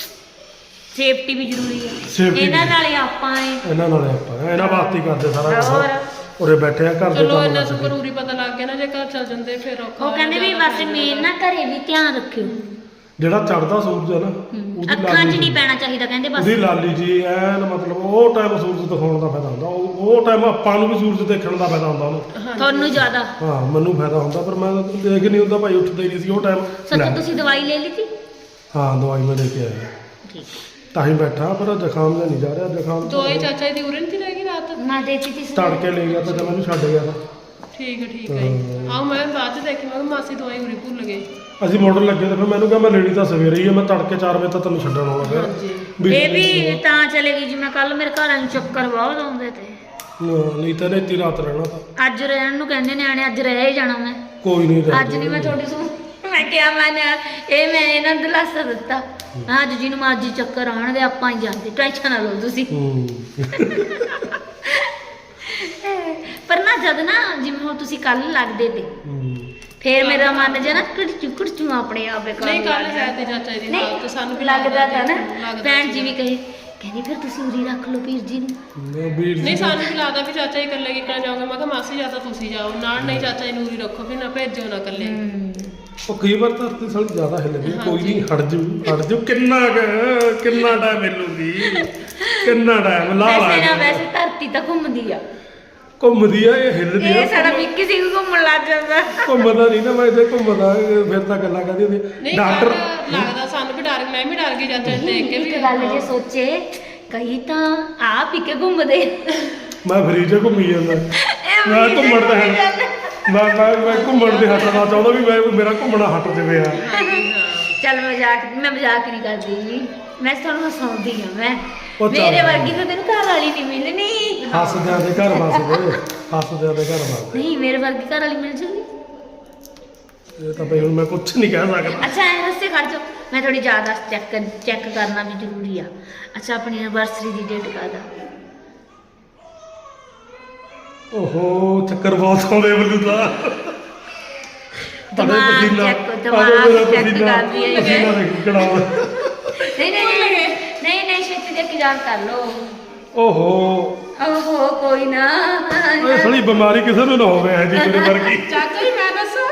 [SPEAKER 3] ਸੇਫਟੀ ਵੀ ਜ਼ਰੂਰੀ ਹੈ।
[SPEAKER 1] Safety
[SPEAKER 3] ਇਹਨਾਂ
[SPEAKER 1] ਵੀ।
[SPEAKER 3] ਨਾਲ ਹੀ ਆਪਾਂ ਏ
[SPEAKER 1] ਇਹਨਾਂ ਨਾਲ ਆਪਾਂ ਇਹਨਾਂ ਵਾਸਤੇ ਹੀ ਕਰਦੇ ਸਾਰਾ
[SPEAKER 3] ਹੋਰ।
[SPEAKER 1] ਕੁਛ। ਉਰੇ ਬੈਠੇ ਆ ਘਰ ਦੇ
[SPEAKER 2] ਚਲੋ
[SPEAKER 1] ਕੰਮ
[SPEAKER 2] ਇਹਨਾਂ
[SPEAKER 1] ਕਰਦੇ।
[SPEAKER 2] ਨੂੰ ਜ਼ਰੂਰੀ ਪਤਾ ਲੱਗ ਗਿਆ ਨਾ, ਜੇ ਘਰ ਚੱਲ ਜਾਂਦੇ ਫਿਰ ਔਖਾ
[SPEAKER 3] ਉਹ
[SPEAKER 2] ਹੋ
[SPEAKER 3] ਕਹਿੰਦੇ ਵੀ
[SPEAKER 2] ਜਾਂਦਾ,
[SPEAKER 3] ਬਸ ਮੇਨ ਨਾ ਘਰੇ ਵੀ ਧਿਆਨ ਰੱਖਿਓ,
[SPEAKER 1] ਜਿਹੜਾ ਚੜਦਾ ਸੂਰਜ ਹੈ ਨਾ ਉਹਦੀ
[SPEAKER 3] ਅੱਖਾਂ 'ਚ
[SPEAKER 1] ਲਾਲੀ
[SPEAKER 3] ਨਹੀਂ ਪੈਣਾ ਚਾਹੀਦਾ ਕਹਿੰਦੇ ਬਸ।
[SPEAKER 1] ਉਹਦੀ ਲਾਲੀ ਜੀ ਐਨ ਮਤਲਬ ਉਹ ਟਾਈਮ ਸੂਰਜ ਦਿਖਾਉਣ ਦਾ ਫਾਇਦਾ ਹੁੰਦਾ, ਉਹ ਉਹ ਟਾਈਮ ਆਪਾਂ ਨੂੰ ਵੀ ਸੂਰਜ ਦੇਖਣ ਦਾ ਫਾਇਦਾ ਹੁੰਦਾ ਉਹਨੂੰ।
[SPEAKER 3] ਤੁਹਾਨੂੰ ਜ਼ਿਆਦਾ
[SPEAKER 1] ਹਾਂ ਮੈਨੂੰ ਫਾਇਦਾ ਹੁੰਦਾ, ਪਰ ਮੈਂ ਤਾਂ ਦੇਖ ਨਹੀਂ ਹੁੰਦਾ ਭਾਈ, ਉੱਠਦਾ ਹੀ ਨਹੀਂ ਸੀ ਉਹ ਟਾਈਮ।
[SPEAKER 3] ਸੱਚ ਤੁਸੀਂ ਦਵਾਈ ਲੈ ਲਈ ਸੀ?
[SPEAKER 1] ਹਾਂ ਦਵਾਈ ਮੈਂ ਲੈ ਕੇ ਆਇਆ,
[SPEAKER 3] ਠੀਕ
[SPEAKER 1] ਤਾਂ ਹੀ ਬੈਠਾ, ਪਰ ਜ਼ੁਕਾਮ ਜਿਹਾ ਨਹੀਂ ਜਾ ਰਿਹਾ। ਜ਼ੁਕਾਮ
[SPEAKER 2] ਦੋਏ ਚਾਚਾ ਦੀ ਉਰੇ ਨਹੀਂ ਰਹਿ ਗਈ ਰਾਤ।
[SPEAKER 3] ਮੈਂ ਦੇਤੀ ਸੀ
[SPEAKER 1] ਤੜਕੇ ਲੈ ਗਿਆ ਤਾਂ ਜਦ ਮੈਨੂੰ ਛੱਡ ਗਿਆ ਤਾਂ
[SPEAKER 2] ਠੀਕ ਹੈ ਠੀਕ ਹੈ ਜੀ। ਆਓ ਮੈਂ ਬਾਅਦ ਚ ਦੇਖੀ, ਮੈਂ ਕਿਹਾ ਮਾਸੀ ਦਵਾਈ ਉਰੇ ਭੁੱਲ ਗਏ।
[SPEAKER 1] ਅਸੀਂ ਮਾਡਲ ਲੱਗੇ ਤਾਂ ਫਿਰ ਮੈਨੂੰ ਕਿਹਾ ਮੈਂ ਲੈਣੀ ਤਾਂ ਸਵੇਰੇ ਹੀ ਹੈ, ਮੈਂ ਤੜਕੇ ਚਾਰ ਵਜੇ ਤੱਕ ਤੈਨੂੰ ਛੱਡਣ ਆਉਣਾ ਫਿਰ।
[SPEAKER 2] ਹਾਂਜੀ
[SPEAKER 1] ਵੀ
[SPEAKER 3] ਇਹ ਵੀ ਤਾਂ ਚਲੇਗੀ ਜਿਵੇਂ ਕੱਲ ਮੇਰੇ ਘਰਾਂ ਨੂੰ ਚੱਕਰ ਬਹੁਤ ਆਉਂਦੇ ਤੇ,
[SPEAKER 1] ਹਾਂ, ਨਹੀਂ ਤਾਂ ਇੱਥੇ ਰਾਤ ਰਹਿਣਾ ਤਾਂ
[SPEAKER 3] ਅੱਜ ਰਹਿਣ ਨੂੰ ਕਹਿੰਦੇ ਨਿਆਣੇ, ਅੱਜ ਰਹਿ ਹੀ ਜਾਣਾ ਮੈਂ।
[SPEAKER 1] ਕੋਈ ਨਹੀਂ
[SPEAKER 3] ਅੱਜ ਨਹੀਂ ਮੈਂ ਤੁਹਾਡੀ ਸੁਣ, ਮੈਂ ਕਿਹਾ ਮੈਂ ਨਾ ਇਹ ਮੈਂ ਇਹਨਾਂ ਨੂੰ ਦਿਲਾਸਾ ਦਿੱਤਾ, ਮੈਂ ਅੱਜ ਜਿਹਨੂੰ ਮਰਜ਼ੀ ਚੱਕਰ ਆਉਣਗੇ ਆਪਾਂ ਹੀ ਜਾਂਦੇ, ਟੈਨਸ਼ਨ ਨਾ ਲਓ ਤੁਸੀਂ।
[SPEAKER 1] ਹੂੰ
[SPEAKER 3] ਪਰ ਨਾ ਜਦ ਨਾ ਜਿਵੇਂ ਹੁਣ ਤੁਸੀਂ ਕੱਲ ਲੱਗਦੇ ਤੇ
[SPEAKER 1] ਹੂੰ।
[SPEAKER 3] ਫੇਰ ਮੇਰਾ ਮਨ ਜਿਹਾ ਨਾ ਕੁੜਚੂ ਕੁੜਚੂ ਆਪਣੇ ਆਪੇ ਕਰਨ
[SPEAKER 2] ਨਹੀਂ ਕੱਲ
[SPEAKER 3] ਲੱਗ
[SPEAKER 2] ਹੈ
[SPEAKER 3] ਗਿਆ।
[SPEAKER 2] ਤੇ ਚਾਚਾ ਜੀ ਦੀ
[SPEAKER 3] ਨਹੀਂ,
[SPEAKER 2] ਰਾਤ ਤੇ ਸਾਨੂੰ ਵੀ
[SPEAKER 3] ਲੱਗਦਾ ਤਾਂ ਨਾ
[SPEAKER 2] ਲੱਗਦਾ
[SPEAKER 3] ਭੈਣ ਜੀ
[SPEAKER 2] ਸੀ।
[SPEAKER 3] ਵੀ ਕਹੇ ਕਹਿੰਦੀ ਫਿਰ ਤੁਸੀਂ ਉਰੀ ਰੱਖ ਲਓ ਵੀਰ ਜੀ ਨੂੰ।
[SPEAKER 1] ਮੈਂ ਵੀਰ ਜੀ
[SPEAKER 2] ਨਹੀਂ ਸਾਨੂੰ ਵੀ ਲੱਗਦਾ ਵੀ ਚਾਚਾ ਜੀ ਇਕੱਲੇ ਕਿੱਕਣ ਜਾਓਗੇ, ਮੈਂ ਕਿਹਾ ਮਾਸੀ ਜਾਂ ਤਾਂ ਤੁਸੀਂ ਜਾਓ ਨਾਲ, ਨਹੀਂ ਚਾਚਾ ਜੀ ਨੂਰੀ ਰੱਖੋ ਵੀ ਨਾ ਭੇਜੋ ਨਾ ਇਕੱਲੇ।
[SPEAKER 1] ਉਹ ਕਈ ਵਾਰ ਤਾਂ ਤੇ ਸਾਲੀ ਜ਼ਿਆਦਾ ਹਿੱਲਦੀ ਹੈ, ਕੋਈ ਨਹੀਂ ਹਟ ਜੂ ਹਟ ਜੂ ਕਿੰਨਾ ਕੁ- ਕਿੰਨਾ ਟਾਈਮ ਮਿਲੂਗੀ, ਕਿੰਨਾ ਟਾਈਮ ਲਾ ਲਾ
[SPEAKER 3] ਵੈਸੇ ਨਾ
[SPEAKER 1] ਕੇ।
[SPEAKER 3] ਵੈਸੇ ਧਰਤੀ ਤਾਂ ਘੁੰਮਦੀ ਆ,
[SPEAKER 1] ਘੁੰਮਦੀ ਆ ਇਹ ਹਿੱਲਦੀ
[SPEAKER 3] ਇਹ
[SPEAKER 1] ਆ,
[SPEAKER 3] ਸਾਡਾ ਵਿੱਕੀ ਸਿੰਘ ਘੁੰਮਣ ਲੱਗ ਜਾਂਦਾ।
[SPEAKER 1] ਘੁੰਮਦਾ ਨਹੀਂ ਨਾ ਮੈਂ ਇੱਥੇ ਘੁੰਮਦਾ, ਫਿਰ ਤਾਂ ਗੱਲਾਂ ਕਰਦੀ ਹੁੰਦੀ
[SPEAKER 2] ਨਹੀਂ
[SPEAKER 1] ਡਾਕਟਰ।
[SPEAKER 2] ਕੱਲ੍ਹ ਲੱਗਦਾ ਸਾਨੂੰ ਵੀ ਡਰ, ਮੈਂ ਵੀ ਡਰ ਗਈ ਚਾਚਾ ਜੀ ਦੇਖ ਕੇ ਵੀ।
[SPEAKER 3] ਇੱਕ ਗੱਲ ਜੇ ਸੋਚੇ ਕਈ ਤਾਂ ਆਪ ਹੀ ਕੇ ਘੁੰਮਦੇ,
[SPEAKER 1] ਮੈਂ ਫਰੀਜ ਘੁੰਮੀ ਜਾਂਦਾ,
[SPEAKER 3] ਇਹ
[SPEAKER 1] ਮੈਂ
[SPEAKER 3] ਵੀ
[SPEAKER 1] ਘੁੰਮਣ ਦਾ
[SPEAKER 3] ਘੁੰਮੀ
[SPEAKER 1] ਹੈ
[SPEAKER 3] ਜਾਂਦੇ।
[SPEAKER 1] ਮੈਂ ਮੈਂ ਮੈਂ ਘੁੰਮਣ ਦੇ ਹਟਣਾ ਚਾਹੁੰਦਾ ਵੀ ਮੈਂ ਮੇਰਾ ਘੁੰਮਣਾ ਹਟ ਜਾਵੇ ਆ।
[SPEAKER 3] ਚੱਲ ਮਜ਼ਾਕ ਮੈਂ ਮਜ਼ਾਕ ਨਹੀਂ ਕਰਦੀ, ਮੈਂ ਤੁਹਾਨੂੰ ਹਸਾਉਂਦੀ ਆ। ਮੈਂ
[SPEAKER 1] ਉਹ ਚੱਲ।
[SPEAKER 3] ਮੇਰੇ ਵਰਗੀ ਤਾਂ ਤੈਨੂੰ ਘਰ ਵਾਲੀ ਨਹੀਂ ਮਿਲਣੀ।
[SPEAKER 1] ਹੱਸਦਿਆਂ ਦੇ ਘਰ ਵਸਦੇ, ਹੱਸਦਿਆਂ ਦੇ ਘਰ ਵਸਦੇ।
[SPEAKER 3] ਨਹੀਂ ਮੇਰੇ ਵਰਗੀ ਘਰ ਵਾਲੀ ਮਿਲ ਜੂਗੀ।
[SPEAKER 1] ਇਹ ਤਾਂ ਬਈ ਹੁਣ ਮੈਂ ਕੁਝ ਨਹੀਂ ਕਹਿ ਸਕਦਾ।
[SPEAKER 3] ਅੱਛਾ ਐ ਹੱਸੇ ਖੜ ਜਾਓ, ਮੈਂ ਥੋੜੀ ਜ਼ਿਆਦਾ ਚੈੱਕ ਚੈੱਕ ਕਰਨਾ ਵੀ ਜ਼ਰੂਰੀ ਆ। ਅੱਛਾ ਆਪਣੀ ਐਨਵਰਸਰੀ ਦੀ ਡੇਟ ਕਾਹਦਾ?
[SPEAKER 1] ਓਹੋ ਚੱਕਰ ਬਹੁਤ ਆਉਂਦੇ ਮੈਨੂੰ ਤਾਂ।
[SPEAKER 3] ਦਿਮਾਗ
[SPEAKER 1] ਪਸੀਨਾ-
[SPEAKER 3] check- ਦਿਮਾਗ
[SPEAKER 1] ਆਜੋ ਮੇਰਾ
[SPEAKER 3] check
[SPEAKER 1] ਪਸੀਨਾ-
[SPEAKER 3] ਕਰਦੀ ਹੈ ਇਹ।
[SPEAKER 1] ਪਸੀਨਾ ਦੇਖ ਕਿਹੜਾ ਆਉਂਦਾ।
[SPEAKER 3] ਨਹੀਂ ਨਹੀਂ ਨਹੀਂ ਨਹੀਂ ਨਹੀਂ ਛੇਤੀ ਦੇ ਕੇ ਯਾਦ ਕਰ ਲਓ।
[SPEAKER 1] ਓਹੋ
[SPEAKER 3] ਓਹੋ ਕੋਈ ਨਾ।
[SPEAKER 1] ਇਹ ਸਾਲੀ ਬਿਮਾਰੀ ਕਿਸੇ ਨੂੰ ਨਾ ਹੋਵੇ ਇਹ ਜੀ ਤੇਰੇ ਵਰਗੀ।
[SPEAKER 2] ਚਾਚਾ ਜੀ ਮੈਂ ਦੱਸਾਂ,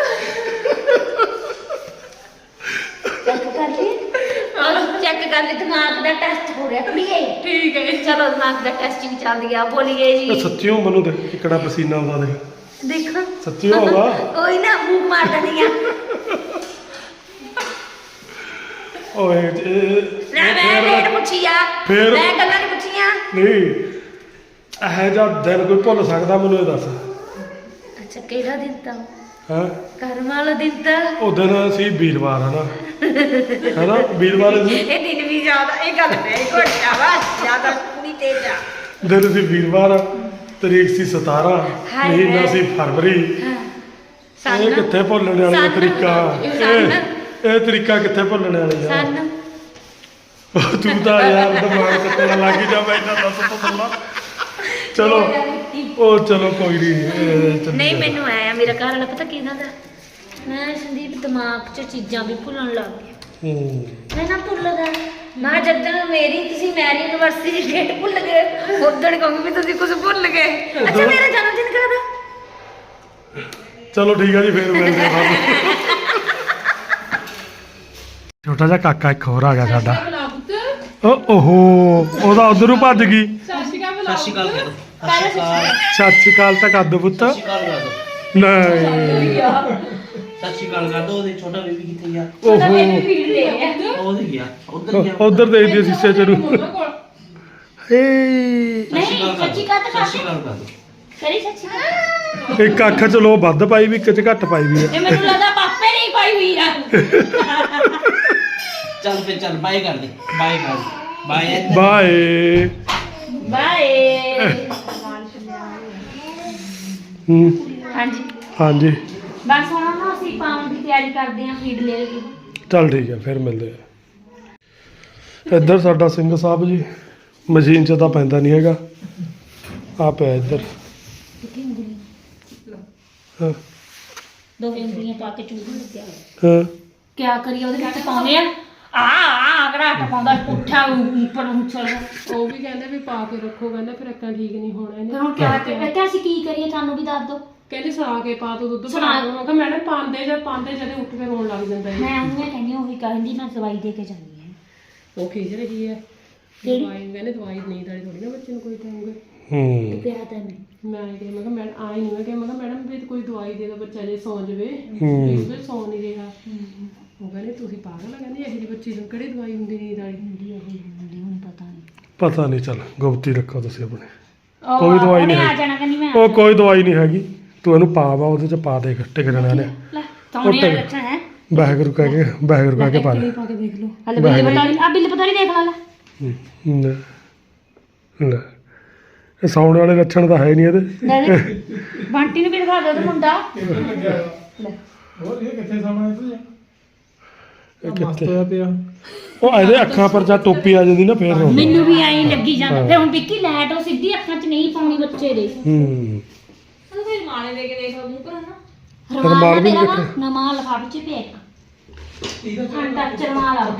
[SPEAKER 3] ਚੈੱਕ ਕਰ ਲਈ, ਚੈੱਕ ਕਰ ਲਈ, ਦਿਮਾਗ ਦਾ ਟੈਸਟ ਹੋ ਰਿਹਾ ਕੁੜੀਏ।
[SPEAKER 2] ਠੀਕ ਹੈ।
[SPEAKER 3] ਚਲੋ ਦਿਮਾਗ ਦਾ ਟੈਸਟਿੰਗ ਚੱਲ ਗਿਆ, ਬੋਲੀਏ
[SPEAKER 1] ਇਹ
[SPEAKER 3] ਜੀ।
[SPEAKER 1] ਸੱਚੀਓ ਮੈਨੂੰ ਦੇਖ ਕਿਹੜਾ ਪਸੀਨਾ ਆਉਂਦਾ ਦੇਖ,
[SPEAKER 3] ਦੇਖੋ
[SPEAKER 1] ਸੱਚੀ ਹੋਗਾ।
[SPEAKER 3] ਕੋਈ ਨਾ ਮੂੰਹ ਮਾਰ ਦਿੰਦੀ ਆ।
[SPEAKER 1] ਓਏ ਇਹ-
[SPEAKER 3] ਨਾ
[SPEAKER 1] ਇਹ
[SPEAKER 3] ਮੈਂ
[SPEAKER 1] ਫੇਰ
[SPEAKER 3] ਰੇਟ ਪੁੱਛੀ ਆ,
[SPEAKER 1] ਫੇਰ-
[SPEAKER 3] ਮੈਂ ਗੱਲਾਂ ਨਹੀਂ ਪੁੱਛੀਆਂ।
[SPEAKER 1] ਨਹੀਂ ਇਹੋ ਜਿਹਾ ਦਿਨ ਕੋਈ ਭੁੱਲ ਸਕਦਾ ਮੈਨੂੰ ਇਹ ਦੱਸ।
[SPEAKER 3] ਅੱਛਾ ਕਿਹੜਾ ਦਿਨ ਤਾਂ
[SPEAKER 1] ਹਾਂ
[SPEAKER 3] ਕਰਮ ਵਾਲਾ ਦਿਨ ਤਾਂ
[SPEAKER 1] ਉਹ ਦਿਨ ਸੀ ਵੀਰਵਾਰ ਹੈ ਨਾ ਹੈ ਨਾ ਵੀਰਵਾਰ ਸੀ
[SPEAKER 3] ਇਹ ਦਿਨ ਵੀ ਜ਼ਿਆਦਾ ਇਹ ਗੱਲ ਨਹੀਂ ਘਟਿਆ ਵਾ ਜ਼ਿਆਦਾ ਪੂਰੀ ਤੇਜ਼ ਆ
[SPEAKER 1] ਦਿਨ ਸੀ ਵੀਰਵਾਰ, ਤਰੀਕ ਸੀ ਸਤਾਰਾਂ,
[SPEAKER 3] ਹਾਏ
[SPEAKER 1] ਮਹੀਨਾ
[SPEAKER 3] ਹਾਏ।
[SPEAKER 1] ਸੀ ਫਰਵਰੀ।
[SPEAKER 3] ਹਾਂ
[SPEAKER 1] ਇਹ ਕਿੱਥੇ ਭੁੱਲਣ ਵਾਲਾ
[SPEAKER 3] ਸੰਨ-
[SPEAKER 1] ਤਰੀਕਾ,
[SPEAKER 3] ਸੰਨ।
[SPEAKER 1] ਇਹ ਇਹ ਤਰੀਕਾ ਕਿੱਥੇ ਭੁੱਲਣ ਵਾਲੀ ਆ।
[SPEAKER 3] ਸਨ
[SPEAKER 1] ਤੂੰ ਤਾਂ ਯਾਰ ਦਿਮਾਗ ਕੱਟਣ ਲੱਗ ਜਾ, ਮੈਂ ਇੰਨਾ ਦੱਸ ਤਾ ਤੈਨੂੰ। ਚਲੋ ਉਹ ਚਲੋ ਕੋਈ ਨਹੀਂ।
[SPEAKER 3] ਨਹੀਂ ਮੈਨੂੰ ਆਇਆ ਮੇਰਾ ਘਰ ਵਾਲਾ ਪਤਾ ਕਿਹਨਾਂ ਦਾ, ਮੈਂ ਸੰਦੀਪ ਦਿਮਾਗ 'ਚ ਚੀਜ਼ਾਂ ਵੀ ਭੁੱਲਣ ਲੱਗ ਗਿਆ।
[SPEAKER 1] ਹੂੰ
[SPEAKER 3] ਮੈਂ ਨਾ ਭੁੱਲਦਾ ਮੈਂ ਜਦੋਂ ਮੇਰੀ ਤੁਸੀਂ ਮੈਰੀ ਯੂਨੀਵਰਸਿਟੀ ਦੀ ਡੇਟ ਭੁੱਲ ਗਏ ਉਦੋਂ ਕਹੂੰਗੀ ਵੀ ਤੁਸੀਂ ਕੁਝ ਭੁੱਲ ਗਏ। ਅੱਛਾ ਮੇਰਾ ਜਨਮ ਦਿਨ ਕਦੋਂ ਦਾ?
[SPEAKER 1] ਚਲੋ ਠੀਕ ਆ ਜੀ, ਫੇਰ ਮਿਲਦੇ ਹਾਂ ਬਾਅਦ। ਛੋਟਾ ਜਿਹਾ ਕਾਕਾ ਇੱਕ ਹੋਰ ਆ ਗਿਆ ਸਾਡਾ। ਓ ਓਹੋ ਉਹਦਾ ਉਧਰ ਨੂੰ ਭੱਜ ਗਈ।
[SPEAKER 4] ਸਤਿ ਸ਼੍ਰੀ ਅਕਾਲ ਕਹਿ ਦੋ।
[SPEAKER 1] ਸਤਿ ਸ਼੍ਰੀ ਅਕਾਲ ਤਾਂ ਕਰ ਦੋ ਪੁੱਤ।
[SPEAKER 4] ਸਤਿ ਸ਼੍ਰੀ ਅਕਾਲ ਕਰ ਦੋ।
[SPEAKER 1] ਨਹੀਂ
[SPEAKER 4] ਸਤਿ ਸ਼੍ਰੀ ਅਕਾਲ ਕਰ ਦੋ। ਉਹਦੇ ਛੋਟਾ ਬੇਬੀ ਕਿੱਥੇ ਗਿਆ?
[SPEAKER 1] ਓਹੋ
[SPEAKER 4] ਉਹਦੇ ਗਿਆ ਉਧਰ ਗਿਆ।
[SPEAKER 1] ਉਧਰ ਦੇਖਦੀ ਸ਼ੀਸ਼ੇ ਚ ਨੂੰ। ਏ
[SPEAKER 4] ਸਤਿ ਸ਼੍ਰੀ ਅਕਾਲ ਕਰ
[SPEAKER 3] ਸੱਚੀ
[SPEAKER 4] ਦੋ।
[SPEAKER 3] ਗੱਲ ਤਾਂ
[SPEAKER 4] ਸਤਿ ਸ਼੍ਰੀ ਅਕਾਲ ਕਰ ਦੋ।
[SPEAKER 3] ਕਰੀ ਸੱਚੀ ਗੱਲ।
[SPEAKER 1] ਇੱਕ ਅੱਖ ਚ ਲੋ ਵੱਧ ਪਾਈ ਵੀ, ਇੱਕ ਚ ਘੱਟ ਪਾਈ ਵੀ ਆ।
[SPEAKER 3] ਇਹ ਮੈਨੂੰ ਲੱਗਦਾ ਪਾਪੇ ਨਹੀਂ ਪਾਈ ਹੋਈ ਆ।
[SPEAKER 4] ਚੱਲ ਫੇ ਚੱਲ ਬਾਏ ਕਰ ਦੇ। ਬਾਏ ਕਰ ਦੇ। Bye
[SPEAKER 1] bye.
[SPEAKER 3] ਬਾਏ।
[SPEAKER 1] ਹੂੰ
[SPEAKER 3] ਹਾਂਜੀ
[SPEAKER 1] ਹਾਂਜੀ
[SPEAKER 3] ਬਸ ਹੁਣ ਨਾ ਅਸੀਂ ਪਾਉਣ ਦੀ ਤਿਆਰੀ ਕਰਦੇ ਹਾਂ, ਫੀਡ ਲੈ ਕੇ।
[SPEAKER 1] ਚੱਲ ਠੀਕ ਹੈ, ਫਿਰ ਮਿਲਦੇ ਆ। ਇੱਧਰ ਸਾਡਾ ਸਿੰਘ ਸਾਹਿਬ ਜੀ ਮਸ਼ੀਨ 'ਚ ਤਾਂ ਪੈਂਦਾ ਨਹੀਂ ਹੈਗਾ, ਆ ਪਿਆ ਇੱਧਰ।
[SPEAKER 3] ਕਿੱਥੇ ਉਂਗਲੀ
[SPEAKER 1] ਹਾਂ
[SPEAKER 3] ਦੋ ਉਂਗਲੀਆਂ ਪਾ ਕੇ ਚੂਹਣ ਲੱਗਿਆ
[SPEAKER 1] ਹਾਂ
[SPEAKER 3] ਕਿਆ ਕਰੀਏ ਉਹਦੇ ਵਿੱਚ ਪਾਉਂਦੇ ਆ ਆ ਆ ਘਰਾਟ ਪਾਉਂਦਾ ਪੁੱਠਾ ਉੱਪਰ ਉੱਛਲ।
[SPEAKER 2] ਉਹ ਵੀ ਕਹਿੰਦੇ ਵੀ ਪਾ ਕੇ ਰੱਖੋ, ਕਹਿੰਦੇ ਫਿਰ ਅੱਕਾਂ ਠੀਕ ਨਹੀਂ ਹੋਣਾ
[SPEAKER 3] ਫਿਰ
[SPEAKER 2] ਇਹਨੇ।
[SPEAKER 3] ਹੁਣ ਕਿਆ ਕਰੀਏ? ਅਸੀਂ ਕੀ ਕਰੀਏ ਸਾਨੂੰ ਵੀ ਦੱਸ ਦਿਓ।
[SPEAKER 2] ਕਹਿੰਦੇ ਸੁਣਾ ਕੇ ਪਾ ਦੋ ਦੁੱਧ
[SPEAKER 3] ਸੁਣਾ-
[SPEAKER 2] ਪਾ ਦੋ। ਮੈਂ ਕਿਹਾ ਮੈਡਮ ਪਾਉਂਦੇ ਜਦ ਪਾਉਂਦੇ ਜਦੇ ਉੱਠ ਕੇ ਰੋਣ ਲੱਗ ਜਾਂਦਾ ਹੈ।
[SPEAKER 3] ਮੈਂ ਉਹਨੂੰ ਕਹਿੰਦੀ ਉਹੀ ਕਹਿੰਦੀ ਮੈਂ ਦਵਾਈ ਦੇ ਕੇ ਜਾਂਦੀ ਹਾਂ।
[SPEAKER 2] ਉਹ ਖਿਜ ਰਹੀ ਹੈ
[SPEAKER 3] ਕਿਹੜੀ?
[SPEAKER 2] ਦਵਾਈ, ਕਹਿੰਦੇ ਦਵਾਈ ਨੀਂਦ ਵਾਲੀ ਥੋੜੀ ਨਾ ਬੱਚੇ ਨੂੰ ਕੋਈ ਦੇਵਾਂਗੇ।
[SPEAKER 1] ਹੂੰ
[SPEAKER 3] ਪਿਆ ਤਾਂ ਨਹੀਂ
[SPEAKER 2] ਮੈਂ ਕਿਹਾ ਮੈਂ ਕਿਹਾ ਮੈਡਮ ਆਈ ਨਹੀਂ, ਮੈਂ ਕਿਹਾ ਮੈਂ ਕਿਹਾ ਮੈਡਮ ਵੀ ਕੋਈ ਦਵਾਈ ਦੇ ਦੋ ਬੱਚਾ ਜੇ ਸੌਂ ਜਵੇ।
[SPEAKER 1] ਹੂੰ।
[SPEAKER 2] ਵੀ ਉਹਦੇ ਸੌਂ ਨਹੀਂ ਰਿਹਾ। ਉਹ ਕਹਿੰਦੇ ਤੁਸੀਂ ਪਾਗਲ ਆ, ਕਹਿੰਦੀ ਇਹੋ ਜਿਹੀ ਬੱਚੀ ਨੂੰ ਕਿਹੜੀ ਦਵਾਈ ਹੁੰਦੀ ਨੀਂਦ ਵਾਲੀ।
[SPEAKER 3] ਹੁੰਦੀ ਉਹ ਹੁੰਦੀ ਹੁਣ ਪਤਾ ਨਹੀਂ।
[SPEAKER 1] ਪਤਾ ਨਹੀਂ, ਚੱਲ ਗੁਪਤੀ ਰੱਖੋ ਤੁਸੀਂ ਆਪਣੇ।
[SPEAKER 3] ਉਹ
[SPEAKER 1] ਕੋਈ ਦਵਾਈ
[SPEAKER 3] ਉਹਨੇ
[SPEAKER 1] ਨਹੀਂ
[SPEAKER 3] ਆ
[SPEAKER 1] ਹੈ।
[SPEAKER 3] ਜਾਣਾ ਕਹਿੰਦੀ ਮੈਂ
[SPEAKER 1] ਉਹ ਕੋਈ ਦਵਾਈ ਨਹੀਂ ਹੈਗੀ, ਤੂੰ ਇਹਨੂੰ ਪਾ ਵਾ ਉਹਦੇ 'ਚ ਪਾ ਦੇ ਟਿਕ ਜਾਣਾ ਨੇ।
[SPEAKER 3] ਲੈ ਤੌਣੇ ਵਾਲਾ ਲੱਛਣ ਹੈ।
[SPEAKER 1] ਵਾਹਿਗੁਰੂ ਕਹਿ ਕੇ ਵਾਹਿਗੁਰੂ ਕਹਿ ਕੇ ਪਾ ਦੇ।
[SPEAKER 2] ਪਾ ਕੇ ਦੇਖ ਲਓ।
[SPEAKER 3] ਹਲੇ ਬਿੱਲ ਪਤਾ ਨਹੀਂ ਆ ਬਿੱਲ ਪਤਾ ਨਹੀਂ ਦੇਖ ਲਾ ਲੈ।
[SPEAKER 1] ਹੂੰ, ਲੈ ਲੈ ਇਹ ਸੌਣ ਵਾਲੇ ਲੱਛਣ ਤਾਂ ਹੈ ਨਹੀਂ ਇਹਦੇ।
[SPEAKER 3] ਲੈ ਦੇ ਬੰਟੀ ਨੂੰ ਵੀ ਦਿਖਾ ਦੇ ਉਹਦਾ ਮੁੰਡਾ। ਲੈ
[SPEAKER 1] ਇਹ ਕਿੱਥੇ ਪਿਆ? ਉਹ ਇਹਦੇ ਅੱਖਾਂ ਪਰ ਜਾਂ ਟੋਪੀ ਆ ਜਾਂਦੀ ਨਾ ਫੇਰ ਰੋਂਦਾ।
[SPEAKER 3] ਮੈਨੂੰ ਵੀ ਐਂ ਲੱਗੀ ਜਾਂਦਾ। ਫਿਰ ਹੁਣ ਵਿੱਕੀ ਲਾਈਟ ਉਹ ਸਿੱਧੀ ਅੱਖਾਂ 'ਚ ਨਹੀਂ ਪਾਉਣੀ ਬੱਚੇ ਦੇ।
[SPEAKER 1] ਹੂੰ
[SPEAKER 3] ਫਿਰ ਮਾਲੇ ਦੇ ਕੇ ਦੇਖ ਲਓ ਮੂੰਹ ਪਰ ਨਾ
[SPEAKER 1] ਰੁਮਾਲ
[SPEAKER 3] ਰਮਾਲ
[SPEAKER 1] ਵੀ
[SPEAKER 3] ਵੀ
[SPEAKER 1] ਦੇਖੋ।
[SPEAKER 3] ਨਮਾ ਲਿਫਾਫੇ 'ਚ ਪਿਆ ਇੱਕ ਠੰਡਾ ਚਰਮਾਲ ਆ।